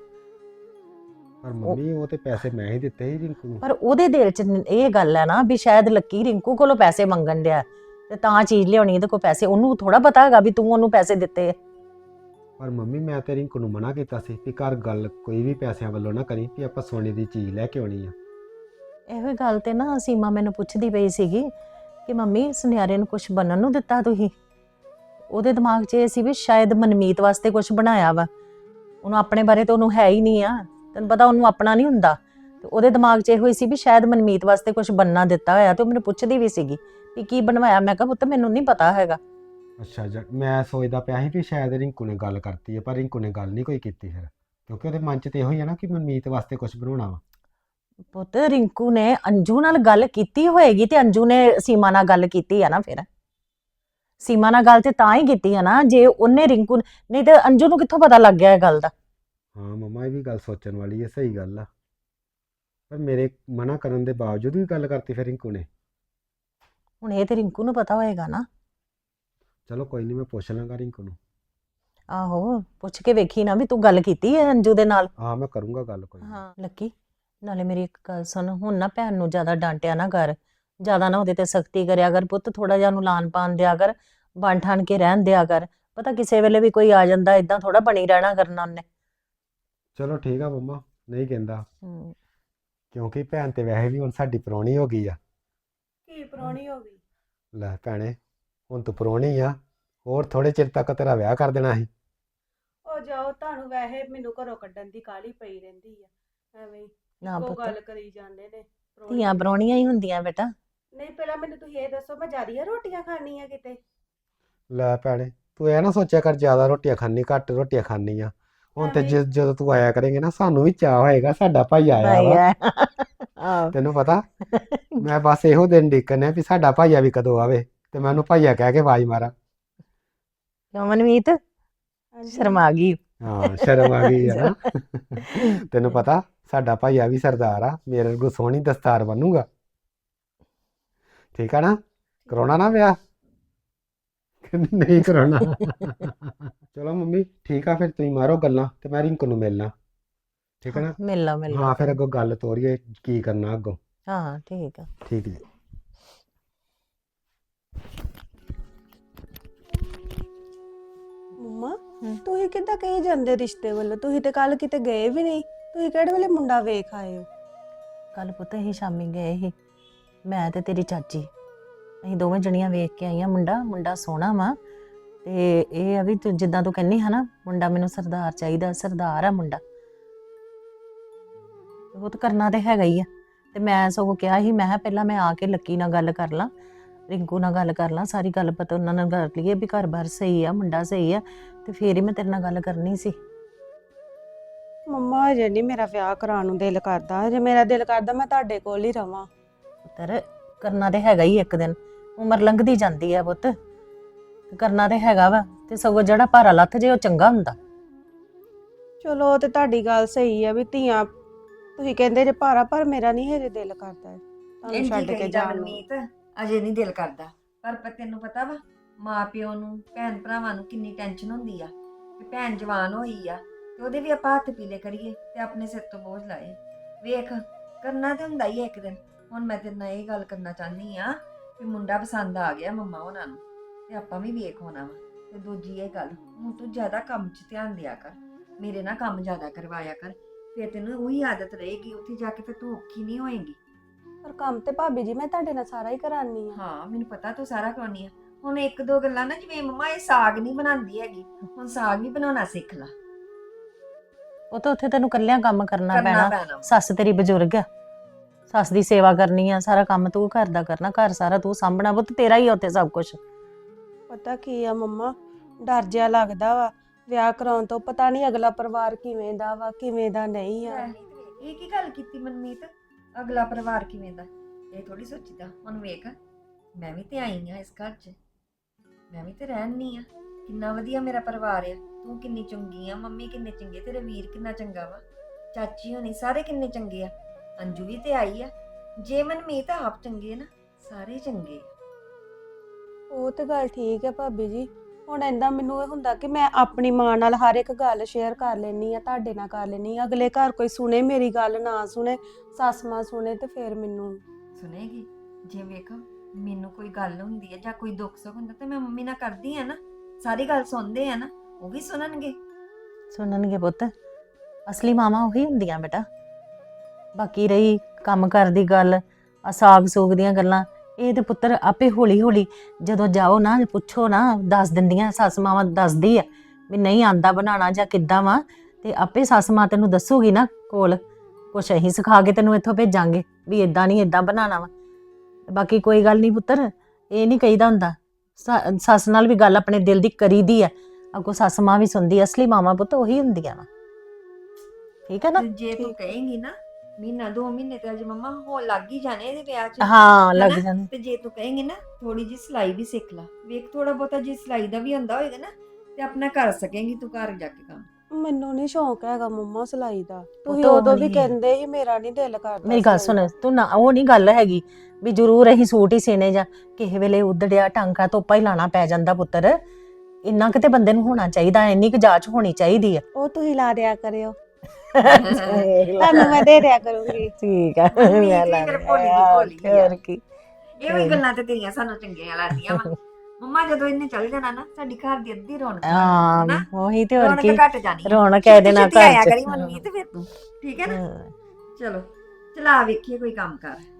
Speaker 9: ਪਰ ਮੰਮੀ ਉਹ ਤੇ ਪੈਸੇ ਮੈਂ ਹੀ ਦਿੱਤੇ ਸੀ ਰਿੰਕੂ ਨੂੰ।
Speaker 7: ਪਰ ਉਹਦੇ ਦਿਲ 'ਚ ਇਹ ਗੱਲ ਹੈ ਨਾ ਵੀ ਸ਼ਾਇਦ ਲੱਕੀ ਰਿੰਕੂ ਕੋਲੋਂ ਪੈਸੇ ਮੰਗਣ ਡਿਆ ਤੇ ਤਾਂ ਚੀਜ਼ ਲਿਆਉਣੀ ਇਹਦੇ ਕੋਲ ਪੈਸੇ। ਉਹਨੂੰ ਥੋੜਾ ਪਤਾ ਹੈਗਾ ਵੀ ਤੂੰ ਉਹਨੂੰ ਪੈਸੇ ਦਿੱਤੇ।
Speaker 9: ਪਰ ਮੰਮੀ ਮੈਂ ਤੇ ਰਿੰਕੂ ਨੂੰ ਮਨਾ ਕੀਤਾ ਸੀ ਕਿ ਘਰ ਗੱਲ ਕੋਈ ਵੀ ਪੈਸਿਆਂ ਵੱਲੋਂ ਨਾ ਕਰੀ, ਵੀ ਆਪਾਂ ਸੋਨੇ ਦੀ ਚੀਜ਼ ਲੈ ਕੇ ਆਉਣੀ ਆ।
Speaker 7: ਇਹੋ ਗੱਲ ਤੇ ਨਾ ਸੀਮਾ ਮੈਨੂੰ ਪੁੱਛਦੀ ਪਈ ਸੀਗੀ ਕਿ ਮੰਮੀ ਸੁਨਿਆਰੇ ਨੂੰ ਕੁਝ ਬਣਨ ਨੂੰ ਦਿੱਤਾ ਤੁਸੀਂ? ਉਹਦੇ ਦਿਮਾਗ 'ਚ ਇਹ ਸੀ ਵੀ ਸ਼ਾਇਦ ਮਨਮੀਤ ਵਾਸਤੇ ਕੁਝ ਬਣਾਇਆ ਵਾ। ਉਹਨੂੰ ਆਪਣੇ ਬਾਰੇ ਤਾਂ ਉਹਨੂੰ ਹੈ ਹੀ ਨਹੀਂ ਆ, ਤੈਨੂੰ ਪਤਾ ਉਹਨੂੰ ਆਪਣਾ ਨਹੀਂ ਹੁੰਦਾ। ਤੇ ਉਹਦੇ ਦਿਮਾਗ 'ਚ ਇਹੋ ਹੀ ਸੀ ਵੀ ਸ਼ਾਇਦ ਮਨਮੀਤ ਵਾਸਤੇ ਕੁਝ ਬੰਨਾ ਦਿੱਤਾ ਹੋਇਆ। ਤੇ ਉਹ ਮੈਨੂੰ ਪੁੱਛਦੀ ਵੀ ਸੀਗੀ ਵੀ ਕੀ ਬਣਵਾਇਆ। ਮੈਂ ਕਿਹਾ ਪੁੱਤ ਮੈਨੂੰ ਨਹੀਂ ਪਤਾ ਹੈਗਾ।
Speaker 9: ਅੱਛਾ ਮੈਂ ਸੋਚਦਾ ਪਿਆ ਸੀ ਵੀ ਸ਼ਾਇਦ ਰਿੰਕੂ ਨੇ ਗੱਲ ਕਰਤੀ ਹੈ, ਪਰ ਰਿੰਕੂ ਨੇ ਗੱਲ ਨਹੀਂ ਕੋਈ ਕੀਤੀ ਫਿਰ, ਕਿਉਂਕਿ ਉਹਦੇ ਮਨ 'ਚ ਤੇ ਇਹੋ ਹੀ ਹੈ ਨਾ ਕਿ ਮਨਮੀਤ ਵਾਸਤੇ ਕੁਝ ਬਣਾਉਣਾ ਵਾ।
Speaker 7: ਪੁੱਤ ਰਿੰਕੂ ਨੇ ਅੰਜੂ ਨਾਲ ਗੱਲ ਕੀਤੀ ਹੋਏਗੀ ਤੇ ਅੰਜੂ ਨੇ ਸੀਮਾ ਨਾਲ ਗੱਲ ਕੀਤੀ ਆ ਨਾ ਫਿਰ। ਸੀਮਾ ਨਾਲ ਗੱਲ ਤੇ ਤਾਂ ਹੀ ਕੀਤੀ ਆ ਨਾ ਜੇ ਉਹਨੇ ਰਿੰਕੂ ਨਹੀਂ ਤੇ ਅੰਜੂ ਨੂੰ ਕਿੱਥੋਂ ਪਤਾ ਲੱਗ ਗਿਆ ਇਹ ਗੱਲ ਦਾ।
Speaker 9: ਹਾਂ ਮੰਮਾ, ਇਹ ਵੀ ਗੱਲ ਸੋਚਣ ਵਾਲੀ ਹੈ, ਸਹੀ ਗੱਲ ਆ। ਪਰ ਮੇਰੇ ਮਨਾ ਕਰਨ ਦੇ ਬਾਵਜੂਦ ਵੀ ਗੱਲ ਕਰਤੀ ਫਿਰ ਰਿੰਕੂ ਨੇ।
Speaker 7: ਹੁਣ ਇਹ ਤੇ ਰਿੰਕੂ ਨੂੰ ਪਤਾ ਹੋਏਗਾ ਨਾ।
Speaker 9: ਚਲੋ ਕੋਈ ਨਹੀਂ, ਮੈਂ ਪੁੱਛ ਲਾਂਗਾ ਰਿੰਕੂ ਨੂੰ।
Speaker 7: ਆਹੋ ਪੁੱਛ ਕੇ ਵੇਖੀ ਨਾ ਵੀ ਤੂੰ ਗੱਲ ਕੀਤੀ ਹੈ ਅੰਜੂ ਦੇ ਨਾਲ।
Speaker 9: ਹਾਂ ਮੈਂ ਕਰੂੰਗਾ ਗੱਲ ਕੋਈ ਨੀ।
Speaker 7: ਹਾਂ ਲੱਕੀ, ਨਾਲੇ ਮੇਰੀ ਇੱਕ ਗੱਲ ਸੁਣ, ਹੁਣ ਨਾ ਭੈਣ ਨੂੰ ਜ਼ਿਆਦਾ ਡਾਂਟਿਆ ਨਾ ਕਰ, ਜ਼ਿਆਦਾ ਨਾ ਉਹਦੇ ਤੇ ਸਖਤੀ ਕਰਿਆ ਕਰ ਪੁੱਤ, ਥੋੜਾ ਜਿਹਾ ਉਹਨੂੰ ਲਾਨ ਪਾਨ ਦਿਆ ਕਰ, ਬਣ ਠਾਣ ਕੇ ਰਹਿਣ ਦਿਆ ਕਰ। ਪਤਾ ਕਿਸੇ ਵੇਲੇ ਵੀ ਕੋਈ ਆ ਜਾਂਦਾ, ਇਦਾਂ ਥੋੜਾ ਬਣੀ ਰਹਿਣਾ ਕਰਨਾ ਉਹਨੇ।
Speaker 9: ਚਲੋ ਠੀਕ ਆ ਮੰਮਾ, ਨਹੀਂ ਕਹਿੰਦਾ,
Speaker 7: ਹੂੰ।
Speaker 9: ਕਿਉਂਕਿ ਭੈਣ ਤੇ ਵੈਸੇ ਵੀ ਹੁਣ ਸਾਡੀ ਪ੍ਰਾਹੁਣੀ ਹੋ ਗਈ ਆ।
Speaker 4: ਕੀ ਪ੍ਰਾਹੁਣੀ ਹੋ ਗਈ?
Speaker 9: ਲੈ ਭੈਣੇ, ਹੁਣ ਤੂੰ ਪ੍ਰਾਹੁਣੀ ਆ, ਹੋਰ ਥੋੜੇ ਚਿਰ ਤੱਕ ਤੇਰਾ ਵਿਆਹ ਕਰ ਦੇਣਾ ਸੀ।
Speaker 4: ਉਹ ਜਾਓ, ਤੁਹਾਨੂੰ ਵੈਸੇ ਮੈਨੂੰ ਘਰੋਂ ਕੱਢਣ ਦੀ ਕਾਹਲੀ ਪਈ ਰਹਿੰਦੀ ਆ, ਐਵੇਂ
Speaker 7: ਨਾ
Speaker 4: ਉਹ
Speaker 7: ਪੁੱਤ,
Speaker 4: ਗੱਲ ਕਰੀ ਜਾਂਦੇ ਨੇ
Speaker 7: ਧੀਆਂ ਪ੍ਰਾਹੁਣੀਆਂ ਹੀ ਹੁੰਦੀਆਂ ਬੇਟਾ।
Speaker 4: ਨਹੀਂ ਪਹਿਲਾਂ ਮੈਨੂੰ ਤੁਸੀਂ ਇਹ ਦੱਸੋ, ਮੈਂ ਜ਼ਿਆਦੀਆਂ ਰੋਟੀਆਂ ਖਾਣੀਆਂ ਕਿਤੇ?
Speaker 9: ਲੈ ਭੈਣੇ, ਤੂੰ ਇਹ ਨਾ ਸੋਚਿਆ ਕਰ ਜ਼ਿਆਦਾ ਰੋਟੀਆਂ ਖਾਣੀ, ਘੱਟ ਰੋਟੀਆਂ ਖਾਣੀ ਆ। ਹੁਣ ਤੇ ਜਦੋਂ ਤੂੰ ਆਇਆ ਕਰੇਂਗੇ ਨਾ, ਸਾਨੂੰ ਵੀ ਚਾਅ ਹੋਏਗਾ ਸਾਡਾ ਭਾਈ ਆਇਆ ਵਾ।
Speaker 7: ਆਹ
Speaker 9: ਤੈਨੂੰ ਪਤਾ, ਮੈਂ ਬਸ ਇਹੋ ਦਿਨ ਦੇਖਣੇ ਵੀ ਸਾਡਾ ਭਾਈਆ ਵੀ ਕਦੋਂ ਆਵੇ ਤੇ ਮੈਂ ਉਹਨੂੰ ਭਾਈਆ ਕਹਿ ਕੇ ਆਵਾਜ਼ ਮਾਰਾਂ।
Speaker 7: ਕਿਉਂ ਮਨਮੀਤ ਸ਼ਰਮਾ ਗਈ?
Speaker 9: ਹਾਂ ਸ਼ਰਮ ਆ ਗਈ ਹੈ ਨਾ। ਤੈਨੂੰ ਪਤਾ ਸਾਡਾ ਭਾਈਆ ਵੀ ਸਰਦਾਰ ਆ, ਮੇਰੇ ਵਰਗੂ ਸੋਹਣੀ ਦਸਤਾਰ ਬਣੂਗਾ। ਠੀਕ ਆ ਨਾ? ਕਰਾਉਣਾ ਨਾ ਵਿਆਹ? ਨਹੀਂ ਕਰਾਉਣਾ। ਚਲੋ ਮੰਮੀ ਠੀਕ ਆ, ਫਿਰ ਤੁਸੀਂ ਮਾਰੋ ਗੱਲਾਂ ਤੇ ਮੈਂ ਰਿੰਕੂ ਨੂੰ ਮਿਲਣਾ। ਠੀਕ ਹੈ ਨਾ?
Speaker 7: ਮਿਲ ਲਾ
Speaker 9: ਹਾਂ ਫਿਰ ਅੱਗੋਂ ਗੱਲ ਤੋਰੀਏ ਕੀ ਕਰਨਾ ਅੱਗੋਂ।
Speaker 7: ਹਾਂ ਠੀਕ ਆ।
Speaker 9: ਠੀਕ ਜੀ।
Speaker 4: ਮੰਮਾ ਤੁਸੀਂ ਕਿੱਦਾਂ ਕਹੀ ਜਾਂਦੇ ਰਿਸ਼ਤੇ ਵੱਲੋਂ? ਤੁਸੀਂ ਤੇ ਕੱਲ ਕਿਤੇ ਗਏ ਵੀ ਨਹੀਂ, ਤੁਸੀਂ ਕਿਹੜੇ ਵੇਲੇ ਮੁੰਡਾ ਵੇਖ ਆਏ ਹੋ?
Speaker 7: ਕੱਲ ਪੁੱਤ ਅਸੀਂ ਸ਼ਾਮੀ ਗਏ ਸੀ, ਮੈਂ ਤੇ ਤੇਰੀ ਚਾਚੀ, ਅਸੀਂ ਦੋਵੇਂ ਜਣੀਆਂ ਵੇਖ ਕੇ ਆਈਆਂ। ਮੁੰਡਾ ਸੋਹਣਾ ਵਾ, ਤੇ ਇਹ ਆ ਵੀ ਤੂੰ ਜਿੱਦਾਂ ਤੂੰ ਕਹਿੰਦੀ ਹੈ ਨਾ, ਮੁੰਡਾ ਮੈਨੂੰ ਸਰਦਾਰ ਚਾਹੀਦਾ, ਸਰਦਾਰ ਆ ਮੁੰਡਾ। ਉਹ ਤਾਂ ਕਰਨਾ ਤੇ ਹੈਗਾ ਹੀ ਆ। ਤੇ ਮੈਂ ਸਗੋਂ ਕਿਹਾ ਸੀ, ਮੈਂ ਕਿਹਾ ਪਹਿਲਾਂ ਮੈਂ ਆ ਕੇ ਲੱਕੀ ਨਾਲ ਗੱਲ ਕਰ ਲਾਂ, ਰਿੰਕੂ ਨਾਲ ਗੱਲ ਕਰ ਲਾਂ, ਸਾਰੀ ਗੱਲ ਪਤਾ ਉਹਨਾਂ ਨਾਲ ਕਰ ਲਈਏ ਵੀ ਘਰ-ਬਾਰ ਸਹੀ ਆ, ਮੁੰਡਾ ਸਹੀ ਆ, ਤੇ ਫੇਰ ਹੀ ਮੈਂ ਤੇਰੇ ਨਾਲ ਗੱਲ ਕਰਨੀ ਸੀ।
Speaker 4: ਮੰਮਾ ਹਜੇ ਨਹੀਂ ਮੇਰਾ ਵਿਆਹ ਕਰਾਉਣ ਨੂੰ ਦਿਲ ਕਰਦਾ, ਹਜੇ ਮੇਰਾ ਦਿਲ ਕਰਦਾ ਮੈਂ ਤੁਹਾਡੇ ਕੋਲ ਹੀ ਰਵਾਂ।
Speaker 7: ਪੁੱਤਰ ਕਰਨਾ ਤੇ ਹੈਗਾ ਹੀ, ਇੱਕ ਦਿਨ ਉਮਰ ਲੰਘਦੀ ਜਾਂਦੀ ਆ ਪੁੱਤ, ਕਰਨਾ ਤੇ ਹੈਗਾ ਵਾ, ਤੇ ਸਗੋਂ ਜਿਹੜਾ ਭਾਰਾ ਲੱਥ ਜੇ ਉਹ ਚੰਗਾ ਹੁੰਦਾ।
Speaker 4: ਚਲੋ ਉਹ ਤੇ ਤੁਹਾਡੀ ਗੱਲ ਸਹੀ ਆ ਵੀ ਧੀਆਂ, ਤੁਸੀਂ ਕਹਿੰਦੇ ਜੇ ਭਾਰਾ, ਪਰ ਮੇਰਾ ਨਹੀਂ ਹਜੇ ਦਿਲ ਕਰਦਾ ਤੁਹਾਨੂੰ ਛੱਡ ਕੇ ਜਾਣ ਨੂੰ।
Speaker 1: ਮਨਮੀਤ ਅਜੇ ਨਹੀਂ ਦਿਲ ਕਰਦਾ, ਪਰ ਤੈਨੂੰ ਪਤਾ ਵਾ ਮਾਂ ਪਿਓ ਨੂੰ, ਭੈਣ ਭਰਾਵਾਂ ਨੂੰ ਕਿੰਨੀ ਟੈਨਸ਼ਨ ਹੁੰਦੀ ਆ ਕਿ ਭੈਣ ਜਵਾਨ ਹੋਈ ਆ ਤੇ ਉਹਦੇ ਵੀ ਆਪਾਂ ਹੱਥ ਪੀਲੇ ਕਰੀਏ ਤੇ ਆਪਣੇ ਸਿਰ ਤੋਂ ਬੋਝ ਲਾਏ। ਵੇਖ ਕਰਨਾ ਤੇ ਹੁੰਦਾ ਹੀ ਆ ਇੱਕ ਦਿਨ। ਹੁਣ ਮੈਂ ਤੇਰੇ ਨਾਲ ਇਹ ਗੱਲ ਕਰਨਾ ਚਾਹਨੀ ਆ ਕਿ ਮੁੰਡਾ ਪਸੰਦ ਆ ਗਿਆ ਮੰਮਾ ਉਹਨਾਂ ਨੂੰ, ਤੇ ਆਪਾਂ ਵੀ ਵੇਖ ਹੋਣਾ ਵਾ। ਤੇ ਦੂਜੀ ਇਹ ਗੱਲ, ਹੁਣ ਤੂੰ ਜ਼ਿਆਦਾ ਕੰਮ 'ਚ ਧਿਆਨ ਦਿਆ ਕਰ, ਮੇਰੇ ਨਾਲ ਕੰਮ ਜ਼ਿਆਦਾ ਕਰਵਾਇਆ ਕਰ, ਫਿਰ ਤੈਨੂੰ ਉਹੀ ਆਦਤ ਰਹੇਗੀ, ਉੱਥੇ ਜਾ ਕੇ ਫਿਰ ਤੂੰ ਔਖੀ ਨਹੀਂ ਹੋਏਗੀ।
Speaker 4: ਪਰ ਕੰਮ ਤੇ ਭਾਬੀ ਜੀ ਮੈਂ ਤੁਹਾਡੇ ਨਾਲ ਸਾਰਾ ਹੀ ਕਰਾਨੀ ਆ।
Speaker 1: ਹਾਂ ਮੈਨੂੰ ਪਤਾ ਤੂੰ ਸਾਰਾ ਕਰਾਉਣੀ ਆ। ਹੁਣ ਇੱਕ ਦੋ ਗੱਲਾਂ ਨਾ, ਜਿਵੇਂ ਮੰਮਾ ਇਹ ਸਾਗ ਨਹੀਂ ਬਣਾਉਂਦੀ ਹੈਗੀ, ਹੁਣ ਸਾਗ ਵੀ ਬਣਾਉਣਾ ਸਿੱਖ ਲਾ।
Speaker 7: ਉਹ ਤਾਂ ਉੱਥੇ ਤੈਨੂੰ ਕੱਲਿਆਂ ਕੰਮ ਕਰਨਾ
Speaker 1: ਕਰਨਾ
Speaker 7: ਪੈਣਾ।
Speaker 1: ਪੈਣਾ।
Speaker 7: ਸੱਸ ਤੇਰੀ ਬਜ਼ੁਰਗ ਆ, ਸੱਸ ਦੀ ਸੇਵਾ ਕਰਨੀ ਆ, ਸਾਰਾ ਕੰਮ ਤੂੰ ਘਰ ਦਾ ਕਰਨਾ, ਘਰ ਸਾਰਾ ਤੂੰ ਸਾਂਭਣਾ ਪੁੱਤ, ਤੇਰਾ ਹੀ ਆ ਉੱਥੇ ਸਭ ਕੁਝ।
Speaker 4: ਪਤਾ ਕੀ ਆ ਮੰਮਾ, ਡਰ ਜਿਹਾ ਲੱਗਦਾ ਵਾ ਵਿਆਹ ਕਰਾਉਣ ਤੋਂ, ਪਤਾ ਨਹੀਂ ਅਗਲਾ ਪਰਿਵਾਰ ਕਿਵੇਂ ਦਾ ਵਾ ਕਿਵੇਂ ਦਾ ਨਹੀਂ ਆ।
Speaker 1: ਇਹ ਕੀ ਗੱਲ ਕੀਤੀ ਮਨਮੀਤ, ਅਗਲਾ ਪਰਿਵਾਰ ਕਿਵੇਂ ਦਾ? ਇਹ ਥੋੜੀ ਸੋਚੀਦਾ। ਹੁਣ ਵੇਖ, ਮੈਂ ਵੀ ਤੇ ਆਈ ਆ ਇਸ ਘਰ 'ਚ, ਮੈਂ ਵੀ ਤੇ ਰਹਿਣੀ ਆ, ਕਿੰਨਾ ਵਧੀਆ ਮੇਰਾ ਪਰਿਵਾਰ ਆ। ਤੂੰ ਕਿੰਨੀ ਚੰਗੀ ਆ, ਮੰਮੀ ਕਿੰਨੇ ਚੰਗੇ, ਤੇਰੇ ਵੀਰ ਕਿੰਨਾ ਚੰਗਾ ਵਾ, ਚਾਚੀ ਹੋਣੀ ਸਾਰੇ ਕਿੰਨੇ ਚੰਗੇ ਆ, ਅੰਜੂ ਵੀ ਤੇ ਆਈ ਆ। ਜੇ ਮਨਮੀਤ ਆਪ ਚੰਗੇ ਨਾ, ਸਾਰੇ ਚੰਗੇ ਆ।
Speaker 4: ਉਹ ਤੇ ਗੱਲ ਠੀਕ ਹੈ ਭਾਬੀ ਜੀ, ਹੁਣ ਏਦਾਂ ਮੈਨੂੰ ਇਹ ਹੁੰਦਾ ਕਿ ਮੈਂ ਆਪਣੀ ਮਾਂ ਨਾਲ ਹਰ ਇੱਕ ਗੱਲ ਸ਼ੇਅਰ ਕਰ ਲੈਣੀ ਆ, ਤੁਹਾਡੇ ਨਾਲ ਕਰ ਲੈਣੀ ਆ, ਅਗਲੇ ਘਰ ਕੋਈ ਸੁਣੇ ਮੇਰੀ ਗੱਲ, ਨਾ ਸੁਣੇ, ਸੱਸ ਮਾਂ ਸੁਣੇ, ਤੇ ਫਿਰ ਮੈਨੂੰ
Speaker 1: ਸੁਣੇਗੀ। ਜੇ ਵੇਖ ਮੈਨੂੰ ਕੋਈ ਗੱਲ ਹੁੰਦੀ ਹੈ ਜਾਂ ਕੋਈ ਦੁੱਖ ਸੁੱਖ ਹੁੰਦਾ ਤੇ ਮੈਂ ਮੰਮੀ ਨਾਲ ਕਰਦੀ ਆ ਨਾ, ਸਾਰੀ ਗੱਲ ਸੁਣਦੇ ਆ ਨਾ, ਉਹ ਵੀ ਸੁਣਨਗੇ
Speaker 7: ਪੁੱਤ। ਅਸਲੀ ਮਾਵਾਂ ਉਹੀ ਹੁੰਦੀਆਂ ਬੇਟਾ। ਬਾਕੀ ਰਹੀ ਕੰਮ ਕਰ ਦੀ ਗੱਲ, ਆ ਸਾਗ ਸੂਗ ਦੀਆਂ ਗੱਲਾਂ, ਇਹ ਤੇ ਪੁੱਤਰ ਆਪੇ ਹੌਲੀ ਹੌਲੀ ਜਦੋਂ ਜਾਓ ਨਾ, ਪੁੱਛੋ ਨਾ, ਦੱਸ ਦਿੰਦੀਆਂ ਸੱਸ ਮਾਵਾਂ, ਦੱਸਦੀ ਆ ਵੀ ਨਹੀਂ ਆਂਦਾ ਬਣਾਉਣਾ ਜਾਂ ਕਿੱਦਾਂ ਵਾ, ਤੇ ਆਪੇ ਸੱਸ ਮਾਂ ਤੈਨੂੰ ਦੱਸੂਗੀ ਨਾ ਕੋਲ, ਕੁਛ ਅਸੀਂ ਸਿਖਾ ਕੇ ਤੈਨੂੰ ਇੱਥੋਂ ਭੇਜਾਂਗੇ ਵੀ ਇਦਾਂ ਨਹੀਂ ਇਦਾਂ ਬਣਾਉਣਾ ਵਾ। ਬਾਕੀ ਕੋਈ ਗੱਲ ਨਹੀਂ ਪੁੱਤਰ, ਇਹ ਨਹੀਂ ਕਹੀਦਾ ਹੁੰਦਾ, ਸੱਸ ਨਾਲ ਵੀ ਗੱਲ ਆਪਣੇ ਦਿਲ ਦੀ ਕਰੀਦੀ ਆ, ਅੱਗੋਂ ਸੱਸ ਮਾਂ ਵੀ ਸੁਣਦੀ, ਅਸਲੀ ਮਾਵਾਂ ਪੁੱਤ ਉਹੀ ਹੁੰਦੀਆਂ ਵਾ। ਠੀਕ ਹੈ ਨਾ?
Speaker 1: ਤੇ ਜੇ ਤੂੰ ਕਹੇਂਗੀ ਨਾ ਮਹੀਨਾ 2 ਮਹੀਨੇ ਤੇ ਅਜੇ ਮੰਮਾ ਹੋ ਲੱਗ ਹੀ ਜਾਣੇ ਇਹਦੇ ਵਿਆਹ 'ਚ,
Speaker 7: ਹਾਂ ਲੱਗ
Speaker 1: ਹਨਾ?
Speaker 7: ਜਾਂਦੇ।
Speaker 1: ਤੇ ਜੇ ਤੂੰ ਕਹੇਂਗੀ ਨਾ ਥੋੜੀ ਜੀ ਸਿਲਾਈ ਵੀ ਸਿੱਖ ਲਾ, ਵੇਖ ਥੋੜਾ ਬਹੁਤਾ ਜੇ ਸਿਲਾਈ ਦਾ ਵੀ ਹੁੰਦਾ ਹੋਏਗਾ ਨਾ ਤੇ ਆਪਣਾ ਕਰ ਸਕੇਂਗੀ ਤੂੰ ਘਰ ਜਾ ਕੇ ਕੰਮ।
Speaker 10: ਮੈਨੂੰ ਨਹੀਂ ਸ਼ੌਂਕ ਹੈਗਾ ਮੰਮਾ ਸਿਲਾਈ ਦਾ, ਤੁਸੀਂ
Speaker 7: ਤਾਂ
Speaker 10: ਉਦੋਂ ਵੀ
Speaker 7: ਹੋਣੀ ਹੈ।
Speaker 10: ਕਹਿੰਦੇ ਸੀ ਮੇਰਾ ਨਹੀਂ ਦਿਲ ਕਰਦਾ
Speaker 7: ਮੇਰੀ ਗੱਲ
Speaker 10: ਸਿਲਾਈ
Speaker 7: ਸੁਣ, ਤੂੰ ਨਾ ਉਹ ਨਹੀਂ ਗੱਲ ਹੈਗੀ ਵੀ ਜ਼ਰੂਰ ਅਸੀਂ ਸੂਟ ਹੀ ਸੀਨੇ, ਜਾਂ ਕਿਸੇ ਵੇਲੇ ਉਧੜਿਆ ਟਾਂਕਾ ਤੋਪਾ ਹੀ ਲਾਣਾ ਪੈ ਜਾਂਦਾ ਪੁੱਤਰ। ਇੰਨਾ ਕਿਤੇ ਬੰਦੇ ਨੂੰ ਹੋਣਾ ਚਾਹੀਦਾ, ਇੰਨੀ ਕੁ ਜਾਚ ਹੋਣੀ ਚਾਹੀਦੀ ਆ।
Speaker 10: ਉਹ ਤੁਸੀਂ ਲਾ ਦਿਆ ਕਰਿਓ, ਤੁਹਾਨੂੰ ਮੈਂ ਦੇ ਦਿਆ ਕਰੂੰਗੀ।
Speaker 7: ਠੀਕ ਆ,
Speaker 1: ਮੰਮੀ
Speaker 7: ਮੈਂ
Speaker 1: ਕੀ
Speaker 7: ਲਾ
Speaker 1: ਫਿਰ
Speaker 7: ਲਿਆ,
Speaker 1: ਭੋਲੀ ਦੀ
Speaker 7: ਹੋਰ ਕੀ।
Speaker 1: ਇਹ ਵੀ ਗੱਲਾਂ ਤੇ ਤੇਰੀਆਂ ਸਾਨੂੰ ਚੰਗੀਆਂ ਲੱਗਦੀਆਂ ਵਾ। ਮੰਮਾ ਜਦੋਂ ਇਹਨੇ ਚੱਲ ਜਾਣਾ ਨਾ ਸਾਡੀ ਘਰ ਦੀ ਅੱਧੀ ਰੌਣਕ
Speaker 7: ਹਾਂ
Speaker 1: ਹਨਾ?
Speaker 7: ਉਹੀ ਤੇ ਹੋਰ
Speaker 1: ਰੌਣਕ
Speaker 7: ਕੀ,
Speaker 1: ਘਟ ਜਾਣੀ ਆ।
Speaker 7: ਰੌਣਕ ਇਹਦੇ ਨਾਲ
Speaker 1: ਛੇਤੀ ਆਇਆ
Speaker 7: ਘਰ
Speaker 1: ਕਰੀ
Speaker 7: ਚ।
Speaker 1: ਮੰਮੀ ਤੇ ਫਿਰ ਤੂੰ, ਠੀਕ ਹੈ ਨਾ?
Speaker 7: ਹਾਂ।
Speaker 1: ਚਲੋ ਚਲਾ ਵੇਖੀਏ ਕੋਈ ਕੰਮ ਕਰ।